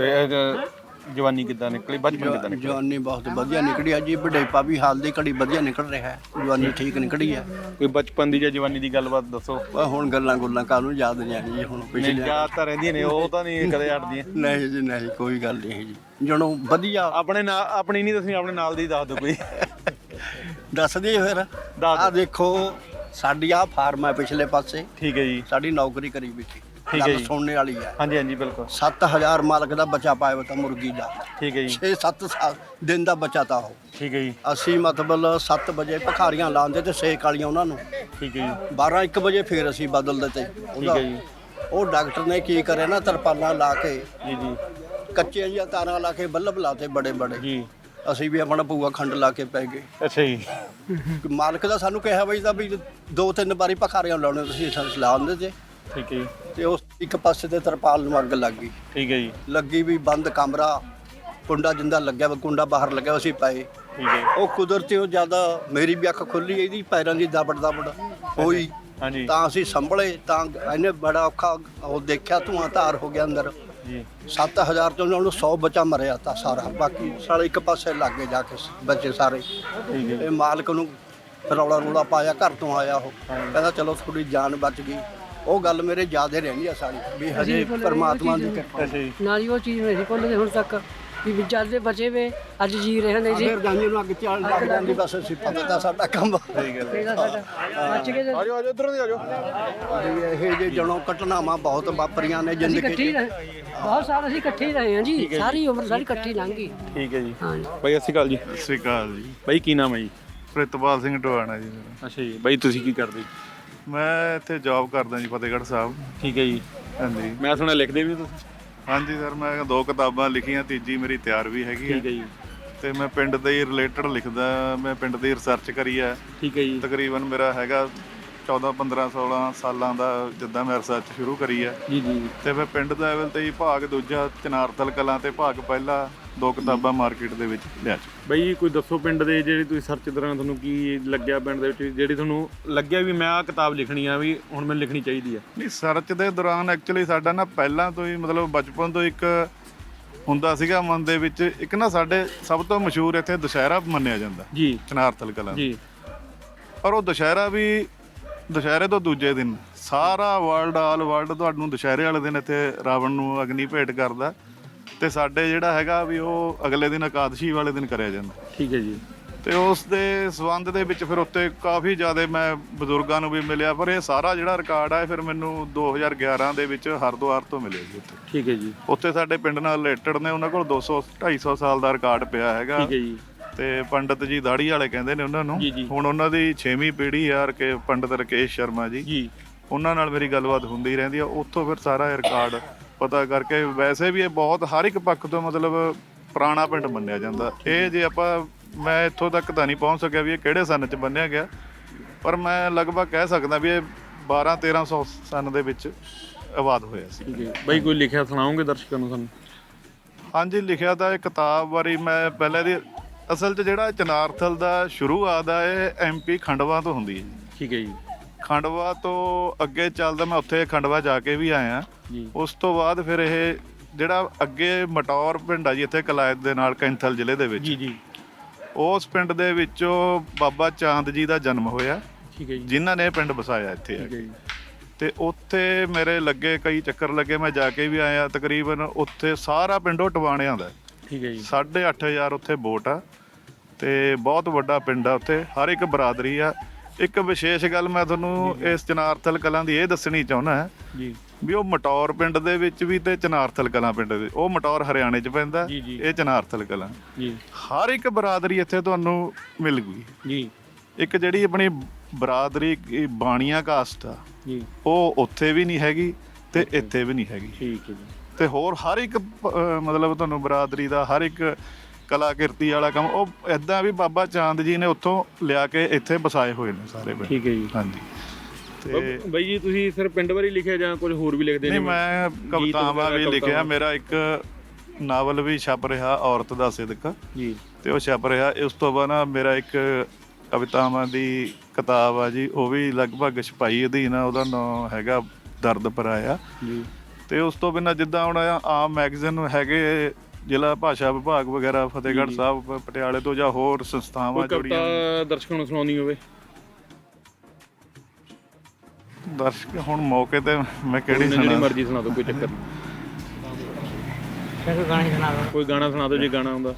ਜਵਾਨੀ ਕਿੱਦਾਂ ਨਿਕਲੀ? ਬਚਪਨ ਕਿੱਦਾਂ ਨਿਕਲਿਆ? ਜਵਾਨੀ ਬਹੁਤ ਵਧੀਆ ਨਿਕਲੀ ਆ ਜੀ, ਬੁਢੇਪਾ ਵੀ ਹਾਲ ਦੀ ਘੜੀ ਵਧੀਆ ਨਿਕਲ ਰਿਹਾ ਹੈ। ਜਵਾਨੀ ਠੀਕ ਨਿਕਲੀ ਹੈ। ਕੋਈ ਬਚਪਨ ਦੀ ਜਾਂ ਜਵਾਨੀ ਦੀ ਗੱਲਬਾਤ ਦੱਸੋ। ਪਰ ਹੁਣ ਗੱਲਾਂ ਕਾਹਨੂੰ ਯਾਦ ਨਹੀਂ ਆਣੀ ਜੀ, ਹੁਣ ਨਹੀਂ ਪਿਛਲੇ। ਯਾਦ ਤਾਂ ਰਹਿੰਦੀਆਂ ਨੇ, ਉਹ ਤਾਂ ਨਹੀਂ ਕਦੇ ਹਟਦੀਆਂ। ਨਹੀਂ ਜੀ ਨਹੀਂ, ਕੋਈ ਗੱਲ ਨਹੀਂ ਜੀ। ਜਦੋਂ ਵਧੀਆ ਆਪਣੇ ਨਾਲ ਆਪਣੀ ਨਹੀਂ ਦੱਸਣੀ, ਆਪਣੇ ਨਾਲ ਦੀ ਦੱਸ ਦਿਓ ਕੋਈ। ਦੱਸ ਦਈਏ ਫਿਰ। ਦੱਸ। ਆਹ ਦੇਖੋ ਸਾਡੀ ਆਹ ਫਾਰਮ ਹੈ ਪਿਛਲੇ ਪਾਸੇ, ਠੀਕ ਹੈ ਜੀ। ਸਾਡੀ ਨੌਕਰੀ ਕਰੀ ਵੀ ਸੀ। ਠੀਕ ਹੈ ਗੱਲ ਜੀ। ਸੁਣਨੇ ਵਾਲੀ ਹੈ। ਹਾਂਜੀ ਹਾਂਜੀ ਬਿਲਕੁਲ। 7000 ਮਾਲਕ ਦਾ ਬੱਚਾ ਪਾਇਆ ਹੋਇਆ ਤਾਂ ਮੁਰਗੀ ਦਾ। ਠੀਕ ਹੈ ਜੀ। 6-7 ਸਾਲ ਦਿਨ ਦਾ ਬੱਚਾ ਤਾਂ ਉਹ। ਠੀਕ ਹੈ ਜੀ। ਅਸੀਂ ਮਤਲਬ 7 ਵਜੇ ਭਖਾਰੀਆਂ ਲਾਉਂਦੇ ਤੇ ਸੇਕ ਵਾਲੀਆਂ ਉਹਨਾਂ ਨੂੰ। ਠੀਕ ਹੈ ਜੀ। 12-1 ਵਜੇ ਫੇਰ ਅਸੀਂ ਬਦਲਦੇ ਤੇ ਠੀਕ ਹੈ ਜੀ। ਉਹ ਡਾਕਟਰ ਨੇ ਕੀ ਕਰਿਆ ਨਾ, ਤਰਪਾਲਾਂ ਲਾ ਕੇ ਜੀ ਜੀ ਕੱਚੀਆਂ ਜਿਹੀਆਂ ਤਾਰਾਂ ਲਾ ਕੇ ਬੱਲਬ ਲਾਤੇ ਬੜੇ ਬੜੇ। ਜੀ। ਅਸੀਂ ਵੀ ਆਪਣਾ ਭੂਆ ਖੰਡ ਲਾ ਕੇ ਪੈ ਗਏ। ਅੱਛਾ ਜੀ। ਮਾਲਕ ਦਾ ਸਾਨੂੰ ਕਿਹਾ ਬਈ ਤਾਂ ਵੀ 2-3 ਵਾਰੀ ਭਖਾਰੀਆਂ ਲਾਉਣੇ ਤੁਸੀਂ ਸਲਾਹ ਦਿੰਦੇ ਤੇ। ਠੀਕ ਹੈ ਜੀ। ਤੇ ਉਸ ਇੱਕ ਪਾਸੇ ਤੇ ਤਰਪਾਲ ਨੂੰ ਅੱਗ ਲੱਗ ਗਈ। ਠੀਕ ਹੈ ਜੀ। ਲੱਗੀ ਵੀ ਬੰਦ ਕਮਰਾ, ਕੁੰਡਾ ਜਿੰਦਾ ਲੱਗਿਆ ਵਾ, ਕੁੰਡਾ ਬਾਹਰ ਲੱਗਿਆ, ਅਸੀਂ ਪਏ। ਠੀਕ ਹੈ। ਉਹ ਕੁਦਰਤੀ ਉਹ ਜ਼ਿਆਦਾ ਮੇਰੀ ਵੀ ਅੱਖ ਖੁੱਲੀ, ਇਹਦੀ ਪੈਰਾਂ ਦੀ ਦਬੜ ਹੋਈ। ਹਾਂਜੀ। ਤਾਂ ਅਸੀਂ ਸੰਭਲੇ, ਤਾਂ ਇਹਨੇ ਬੜਾ ਔਖਾ ਉਹ ਦੇਖਿਆ, ਧੂਆਂ ਧਾਰ ਹੋ ਗਿਆ ਅੰਦਰ ਜੀ। 7000 ਤੋਂ ਉਹਨੂੰ 100 ਬੱਚਾ ਮਰਿਆ ਤਾਂ ਸਾਰਾ, ਬਾਕੀ ਸਾਲੇ ਇੱਕ ਪਾਸੇ ਲੱਗ ਗਏ ਜਾ ਕੇ ਬੱਚੇ ਸਾਰੇ। ਠੀਕ ਹੈ। ਇਹ ਮਾਲਕ ਨੂੰ ਰੌਲਾ ਰੌਲਾ ਪਾਇਆ, ਘਰ ਤੋਂ ਆਇਆ ਉਹ ਕਹਿੰਦਾ ਚਲੋ ਥੋੜੀ ਜਾਨ ਬਚ ਗਈ। ਉਹ ਗੱਲ ਮੇਰੇ ਯਾਦ ਹੀ ਰਹਿੰਦੀ ਆ ਸਾਰੀ, ਵੀ ਹਜੇ ਪਰਮਾਤਮਾ ਦੀ ਕਿਰਪਾ। ਅੱਛਾ ਜੀ। ਨਾਲ ਹੀ ਉਹ ਚੀਜ਼ ਨਹੀਂ ਸੀ ਭੁੱਲਦੇ ਹੁਣ ਤੱਕ। ਵੀ ਜਦ ਦੇ ਬਚੇ ਵੇ ਅੱਜ ਜੀ ਰਹੇ ਨੇ ਜੀ ਫਿਰ ਜਾਂਦੀ ਨੂੰ ਅੱਗ ਚੱਲ ਲੱਗ ਜਾਂਦੀ ਬਸ ਅਸੀਂ ਪਤਾ ਤਾਂ ਸਾਡਾ ਕੰਮ ਇਹਦਾ ਸਾਡਾ ਬਚ ਕੇ ਤੇ ਆਜੋ ਆਜੋ ਇਧਰੋਂ ਦੀ ਆਜੋ। ਵੀ ਇਹ ਜੇ ਜਣੋਂ ਘਟਨਾਵਾਂ ਬਹੁਤ ਵਾਪਰੀਆਂ ਨੇ ਅਸੀਂ ਜ਼ਿੰਦਗੀ ਇਕੱਠੇ ਹੀ 'ਚ ਰਹੇ ਬਹੁਤ ਸਾਲ ਅਸੀਂ ਇਕੱਠੇ ਹੀ ਰਹੇ ਹਾਂ ਜੀ ਸਾਰੀ ਉਮਰ ਸਾਡੀ ਇਕੱਠੀ ਲੰਘ ਗਈ ਠੀਕ ਹੈ ਜੀ ਹਾਂ ਜੀ ਬਾਈ ਸਤਿ ਸ਼੍ਰੀ ਅਕਾਲ ਜੀ। ਸਤਿ ਸ਼੍ਰੀ ਅਕਾਲ ਜੀ। ਬਾਈ ਕੀ ਨਾਮ ਹੈ ਜੀ? ਪ੍ਰਿਤਪਾਲ ਸਿੰਘ ਟਵਾਣਾ ਜੀ ਮੇਰਾ। ਅੱਛਾ ਜੀ ਬਾਈ ਤੁਸੀਂ ਕੀ ਕਰਦੇ? ਮੈਂ ਇੱਥੇ ਜੌਬ ਕਰਦਾ ਜੀ ਫਤਿਹਗੜ੍ਹ ਸਾਹਿਬ। ਠੀਕ ਹੈ ਜੀ। ਹਾਂਜੀ ਮੈਂ ਸੁਣਿਆ ਲਿਖਦੇ ਵੀ ਤੁਸੀਂ? ਹਾਂਜੀ ਸਰ, ਮੈਂ 2 ਕਿਤਾਬਾਂ ਲਿਖੀਆਂ, ਤੀਜੀ ਮੇਰੀ ਤਿਆਰ ਵੀ ਹੈਗੀ ਠੀਕ ਹੈ ਜੀ। ਤੇ ਮੈਂ ਪਿੰਡ ਦੇ ਹੀ ਰਿਲੇਟਡ ਲਿਖਦਾ। ਮੈਂ ਪਿੰਡ ਦੀ ਰਿਸਰਚ ਕਰੀ ਹੈ। ਠੀਕ ਹੈ ਜੀ। ਤਕਰੀਬਨ ਮੇਰਾ ਹੈਗਾ 14 15 16 ਸਾਲਾਂ ਦਾ ਜਿੱਦਾਂ ਮੈਂ ਰਿਸਰਚ ਸ਼ੁਰੂ ਕਰੀ ਹੈ। ਜੀ ਜੀ। ਤੇ ਮੈਂ ਪਿੰਡ ਲੈਵਲ ਤੇ ਹੀ ਭਾਗ ਦੂਜਾ ਚਨਾਰਥਲ ਕਲਾਂ ਤੇ ਭਾਗ ਪਹਿਲਾ 2 ਕਿਤਾਬਾਂ ਮਾਰਕੀਟ ਦੇ ਵਿੱਚ ਲਿਆ ਚੁੱਕਾ। ਬਈ ਕੋਈ ਦੱਸੋ ਪਿੰਡ ਦੇ ਜਿਹੜੀ ਤੁਸੀਂ ਸਰਚ ਦੌਰਾਨ ਤੁਹਾਨੂੰ ਕੀ ਲੱਗਿਆ ਪਿੰਡ ਦੇ ਵਿੱਚ ਜਿਹੜੀ ਤੁਹਾਨੂੰ ਲੱਗਿਆ ਵੀ ਮੈਂ ਆਹ ਕਿਤਾਬ ਲਿਖਣੀ ਆ ਵੀ ਹੁਣ ਮੈਨੂੰ ਲਿਖਣੀ ਚਾਹੀਦੀ ਆ? ਨਹੀਂ, ਸਰਚ ਦੇ ਦੌਰਾਨ ਐਕਚੁਅਲੀ ਸਾਡਾ ਨਾ ਪਹਿਲਾਂ ਤੋਂ ਹੀ ਮਤਲਬ ਬਚਪਨ ਤੋਂ ਇੱਕ ਹੁੰਦਾ ਸੀਗਾ ਮਨ ਦੇ ਵਿੱਚ ਇੱਕ ਨਾ ਸਾਡੇ ਸਭ ਤੋਂ ਮਸ਼ਹੂਰ ਇੱਥੇ ਦੁਸ਼ਹਿਰਾ ਮੰਨਿਆ ਜਾਂਦਾ ਜੀ ਚਨਾਰਥਲ ਕਲਾਂ ਜੀ। ਪਰ ਉਹ ਦੁਸ਼ਹਿਰਾ ਵੀ ਦੁਸ਼ਹਿਰੇ ਤੋਂ ਦੂਜੇ ਦਿਨ ਸਾਰਾ ਵਰਲਡ ਆਲ ਵਰਲਡ ਤੁਹਾਨੂੰ ਦੁਸ਼ਹਿਰੇ ਵਾਲੇ ਦਿਨ ਇੱਥੇ ਰਾਵਣ ਨੂੰ ਅਗਨੀ ਭੇਟ ਕਰਦਾ ਤੇ ਸਾਡੇ ਜਿਹੜਾ ਹੈਗਾ ਵੀ ਉਹ ਅਗਲੇ ਦਿਨ ਇਕਾਦਸ਼ੀ ਵਾਲੇ ਦਿਨ ਕਰਿਆ ਜਾਂਦਾ। ਠੀਕ ਹੈ ਜੀ। ਤੇ ਉਸ ਦੇ ਸੰਬੰਧ ਦੇ ਵਿੱਚ ਫਿਰ ਉੱਤੇ ਕਾਫੀ ਜ਼ਿਆਦਾ ਮੈਂ ਬਜ਼ੁਰਗਾਂ ਨੂੰ ਵੀ ਮਿਲਿਆ, ਪਰ ਇਹ ਸਾਰਾ ਜਿਹੜਾ ਰਿਕਾਰਡ ਆ ਇਹ ਫਿਰ ਮੈਨੂੰ 2011 ਦੇ ਵਿੱਚ ਹਰਿਦੁਆਰ ਤੋਂ ਮਿਲਿਆ ਜੀ ਉੱਥੇ। ਠੀਕ ਹੈ ਜੀ। ਉੱਥੇ ਸਾਡੇ ਪਿੰਡ ਨਾਲ ਰਿਲੇਟਡ ਨੇ, ਉਹਨਾਂ ਕੋਲ 200 250 ਸਾਲ ਦਾ ਰਿਕਾਰਡ ਪਿਆ ਹੈਗਾ। ਠੀਕ ਹੈ ਜੀ। ਤੇ ਪੰਡਤ ਜੀ ਦਾੜੀ ਵਾਲੇ ਕਹਿੰਦੇ ਨੇ ਉਹਨਾਂ ਨੂੰ। ਜੀ, ਜੀ। ਹੁਣ ਉਹਨਾਂ ਦੀ 6ਵੀਂ ਪੀੜ੍ਹੀ ਆ ਕਿ ਪੰਡਤ ਰਕੇਸ਼ ਸ਼ਰਮਾ ਜੀ, ਉਹਨਾਂ ਨਾਲ ਮੇਰੀ ਗੱਲਬਾਤ ਹੁੰਦੀ ਰਹਿੰਦੀ ਆ। ਉੱਥੋਂ ਫਿਰ ਸਾਰਾ ਇਹ ਰਿਕਾਰਡ ਪਤਾ ਕਰਕੇ ਵੈਸੇ ਵੀ ਇਹ ਬਹੁਤ ਹਰ ਇੱਕ ਪੱਖ ਤੋਂ ਮਤਲਬ ਪੁਰਾਣਾ ਪਿੰਡ ਮੰਨਿਆ ਜਾਂਦਾ। ਇਹ ਜੇ ਆਪਾਂ ਮੈਂ ਇੱਥੋਂ ਤੱਕ ਤਾਂ ਨਹੀਂ ਪਹੁੰਚ ਸਕਿਆ ਵੀ ਇਹ ਕਿਹੜੇ ਸਨ 'ਚ ਬੰਨਿਆ ਗਿਆ, ਪਰ ਮੈਂ ਲਗਭਗ ਕਹਿ ਸਕਦਾ ਵੀ ਇਹ 1200-1300 ਸਨ ਦੇ ਵਿੱਚ ਆਬਾਦ ਹੋਇਆ ਸੀ। ਠੀਕ ਹੈ ਬਾਈ, ਕੋਈ ਲਿਖਿਆ ਸੁਣਾਓਗੇ ਦਰਸ਼ਕਾਂ ਨੂੰ ਸਾਨੂੰ? ਹਾਂਜੀ, ਲਿਖਿਆ ਤਾਂ ਇਹ ਕਿਤਾਬ ਬਾਰੇ ਮੈਂ ਪਹਿਲੇ ਦੀ ਅਸਲ 'ਚ ਜਿਹੜਾ ਚਨਾਰਥਲ ਦਾ ਸ਼ੁਰੂਆਤ ਆ ਇਹ MP ਖੰਡਵਾ ਤੋਂ ਹੁੰਦੀ ਹੈ ਜੀ। ਠੀਕ ਹੈ ਜੀ। ਖੰਡਵਾ ਤੋਂ ਅੱਗੇ ਚੱਲਦਾ ਮੈਂ ਉੱਥੇ ਖੰਡਵਾ ਜਾ ਕੇ ਵੀ ਆਇਆ। ਉਸ ਤੋਂ ਬਾਅਦ ਫਿਰ ਇਹ ਜਿਹੜਾ ਅੱਗੇ ਮਟੌਰ ਪਿੰਡ ਆ ਜੀ ਇੱਥੇ ਕਲਾਇਤ ਦੇ ਨਾਲ ਕੈਂਥਲ ਜ਼ਿਲ੍ਹੇ ਦੇ ਵਿੱਚ, ਜੀ ਜੀ, ਉਸ ਪਿੰਡ ਦੇ ਵਿੱਚੋਂ ਬਾਬਾ ਚਾਂਦ ਜੀ ਦਾ ਜਨਮ ਹੋਇਆ। ਠੀਕ ਹੈ ਜੀ। ਜਿਨ੍ਹਾਂ ਨੇ ਇਹ ਪਿੰਡ ਵਸਾਇਆ ਇੱਥੇ ਆ ਠੀਕ ਹੈ ਕੇ। ਜੀ। ਤੇ ਉੱਥੇ ਮੇਰੇ ਲੱਗੇ ਕਈ ਚੱਕਰ ਲੱਗੇ, ਮੈਂ ਜਾ ਕੇ ਵੀ ਆਇਆ। ਤਕਰੀਬਨ ਉੱਥੇ ਸਾਰਾ ਪਿੰਡ ਉਹ ਟਵਾਣਿਆਂ ਦਾ। ਠੀਕ ਹੈ ਜੀ। 8500 ਉੱਥੇ ਵੋਟ ਆ ਤੇ ਬਹੁਤ ਵੱਡਾ ਪਿੰਡ ਆ। ਉੱਥੇ ਹਰ ਇੱਕ ਬਰਾਦਰੀ ਆ। ਇੱਕ ਵਿਸ਼ੇਸ਼ ਗੱਲ ਮੈਂ ਤੁਹਾਨੂੰ ਇਸ ਚਨਾਰਥਲ ਕਲਾਂ ਦੀ ਇਹ ਦੱਸਣੀ ਚਾਹੁੰਦਾ ਜੀ ਵੀ ਉਹ ਮਟੌਰ ਪਿੰਡ ਦੇ ਵਿੱਚ ਵੀ ਤੇ ਚਨਾਰਥਲ ਕਲਾਂ ਪਿੰਡ ਦੇ, ਉਹ ਮਟੌਰ ਹਰਿਆਣੇ 'ਚ ਪੈਂਦਾ, ਇਹ ਚਨਾਰਥਲ ਕਲਾਂ। ਜੀ। ਹਰ ਇੱਕ ਬਰਾਦਰੀ ਇੱਥੇ ਤੁਹਾਨੂੰ ਮਿਲ ਗਈ ਜੀ। ਇੱਕ ਜਿਹੜੀ ਆਪਣੀ ਬਰਾਦਰੀ ਬਾਣੀਆਂ ਕਾਸਟ ਆ ਜੀ, ਉਹ ਉੱਥੇ ਵੀ ਨਹੀਂ ਹੈਗੀ ਤੇ ਇੱਥੇ ਵੀ ਨਹੀਂ ਹੈਗੀ। ਠੀਕ ਹੈ ਜੀ। ਤੇ ਹੋਰ ਹਰ ਇੱਕ ਮਤਲਬ ਤੁਹਾਨੂੰ ਬਰਾਦਰੀ ਦਾ ਹਰ ਇੱਕ ਕਲਾ ਕਿਰਤੀ ਵਾਲਾ ਕੰਮ ਉਹ ਇਦਾਂ ਵੀ ਬਾਬਾ ਚਾਂਦ ਜੀ ਨੇ ਉੱਥੋਂ ਲਿਆ ਕੇ ਇੱਥੇ ਵਸਾਏ ਹੋਏ ਨੇ ਸਾਰੇ ਪਿੰਡ। ਠੀਕ ਹੈ ਜੀ। ਹਾਂਜੀ। ਤੇ ਬਾਈ ਜੀ ਤੁਸੀਂ ਸਿਰ ਪਿੰਡ ਬਾਰੇ ਲਿਖਿਆ ਜਾਂ ਕੁਝ ਹੋਰ ਵੀ ਲਿਖਦੇ ਨੇ? ਨਹੀਂ, ਮੈਂ ਕਵਿਤਾਵਾਂ ਵੀ ਲਿਖਿਆ। ਮੇਰਾ ਇੱਕ ਨਾਵਲ ਵੀ ਛਪ ਰਿਹਾ ਔਰਤ ਦਾ ਸਿਦਕ ਜੀ, ਤੇ ਉਹ ਛਪ ਰਿਹਾ। ਉਸ ਤੋਂ ਬਾਅਦ ਨਾ ਮੇਰਾ ਇੱਕ ਕਵਿਤਾਵਾਂ ਦੀ ਕਿਤਾਬ ਆ ਜੀ, ਉਹ ਵੀ ਲਗਭਗ ਛਪਾਈ ਅਧੀਨ ਆ। ਉਹਦਾ ਨਾਮ ਹੈਗਾ ਦਰਦ ਪਰਾਇਆ ਜੀ। ਤੇ ਉਸ ਤੋਂ ਬਿਨਾਂ ਜਿੱਦਾਂ ਹੁਣ ਆਮ ਮੈਗਜ਼ੀਨ ਹੈਗੇ ਜ਼ਿਲ੍ਹਾ ਭਾਸ਼ਾ ਵਿਭਾਗ ਵਗੈਰਾ ਫਤਿਹਗੜ੍ਹ ਸਾਹਿਬ ਪਟਿਆਲੇ ਤੋਂ ਜਾਂ ਹੋਰ ਸੰਸਥਾਵਾਂ ਜੁੜੀਆਂ। ਕਵਿਤਾ ਦਰਸ਼ਕਾਂ ਨੂੰ ਸੁਣਾਉਣੀ ਹੋਵੇ? ਦਰਸ਼ਕ ਹੁਣ ਮੌਕੇ ਤੇ ਮੈਂ ਕਿਹੜੀ ਜਿਹੜੀ ਮਰਜ਼ੀ ਸੁਣਾ ਦਿਓ, ਕੋਈ ਚੱਕਰ ਨਹੀਂ। ਕੋਈ ਗਾਣਾ ਸੁਣਾ ਦਿਓ ਜੇ ਗਾਣਾ ਆਉਂਦਾ।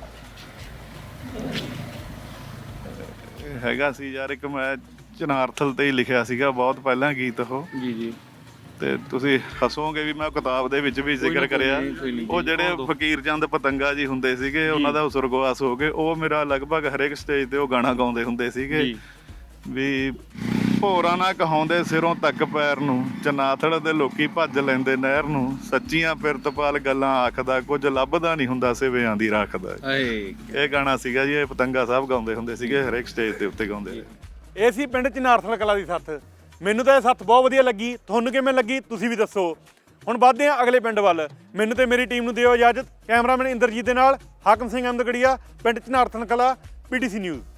ਹੈਗਾ ਸੀ ਯਾਰ ਇੱਕ, ਮੈਂ ਚਨਾਰਥਲ ਤੇ ਹੀ ਲਿਖਿਆ ਸੀਗਾ ਬਹੁਤ ਪਹਿਲਾਂ ਗੀਤ ਉਹ। ਜੀ ਜੀ। ਤੇ ਤੁਸੀਂ ਹੱਸੋਗੇ ਵੀ ਮੈਂ ਕਿਤਾਬ ਦੇ ਵਿੱਚ ਵੀ ਜ਼ਿਕਰ ਕਰਿਆ। ਉਹ ਜਿਹੜੇ ਫਕੀਰ ਚੰਦ ਪਤੰਗਾ ਜੀ ਹੁੰਦੇ ਸੀਗੇ, ਉਹਨਾਂ ਦਾ ਸੁਰਗਵਾਸ ਹੋ ਗਏ। ਉਹ ਮੇਰਾ ਲਗਭਗ ਹਰੇਕ ਸਟੇਜ ਤੇ ਉਹ ਗਾਣਾ ਗਾਉਂਦੇ ਹੁੰਦੇ ਸੀਗੇ ਵੀ ਭੋਰਾ ਨਾ ਕਹਾਉਂਦੇ ਸਿਰੋਂ ਤੱਕ ਪੈਰ ਨੂੰ, ਚਨਾਥੜ ਦੇ ਲੋਕੀ ਭੱਜ ਲੈਂਦੇ ਨਹਿਰ ਨੂੰ, ਸੱਚੀਆਂ ਪਿਰਤਪਾਲ ਗੱਲਾਂ ਆਖਦਾ, ਕੁਝ ਲੱਭਦਾ ਨਹੀਂ ਹੁੰਦਾ ਸਿਵਿਆਂ ਦੀ ਰੱਖਦਾ। ਇਹ ਗਾਣਾ ਸੀਗਾ ਜੀ, ਇਹ ਪਤੰਗਾ ਸਾਹਿਬ ਗਾਉਂਦੇ ਹੁੰਦੇ ਸੀਗੇ, ਹਰੇਕ ਸਟੇਜ ਦੇ ਉੱਤੇ ਗਾਉਂਦੇ। ਇਹ ਸੀ ਪਿੰਡ ਚਨਾਰਥਲ ਕਲਾਂ ਦੀ ਸੱਥ। ਮੈਨੂੰ ਤਾਂ ਇਹ ਸੱਥ ਬਹੁਤ ਵਧੀਆ ਲੱਗੀ। ਤੁਹਾਨੂੰ ਕਿਵੇਂ ਲੱਗੀ ਤੁਸੀਂ ਵੀ ਦੱਸੋ। ਹੁਣ ਵੱਧਦੇ ਹਾਂ ਅਗਲੇ ਪਿੰਡ ਵੱਲ। ਮੈਨੂੰ ਤੇ ਮੇਰੀ ਟੀਮ ਨੂੰ ਦਿਓ ਇਜਾਜ਼ਤ। ਕੈਮਰਾਮੈਨ ਇੰਦਰਜੀਤ ਦੇ ਨਾਲ ਹਾਕਮ ਸਿੰਘ ਅਹਿਮਦਗੜੀਆ, ਪਿੰਡ ਚਨਾਰਥਲ ਕਲਾਂ, PTC ਨਿਊਜ਼।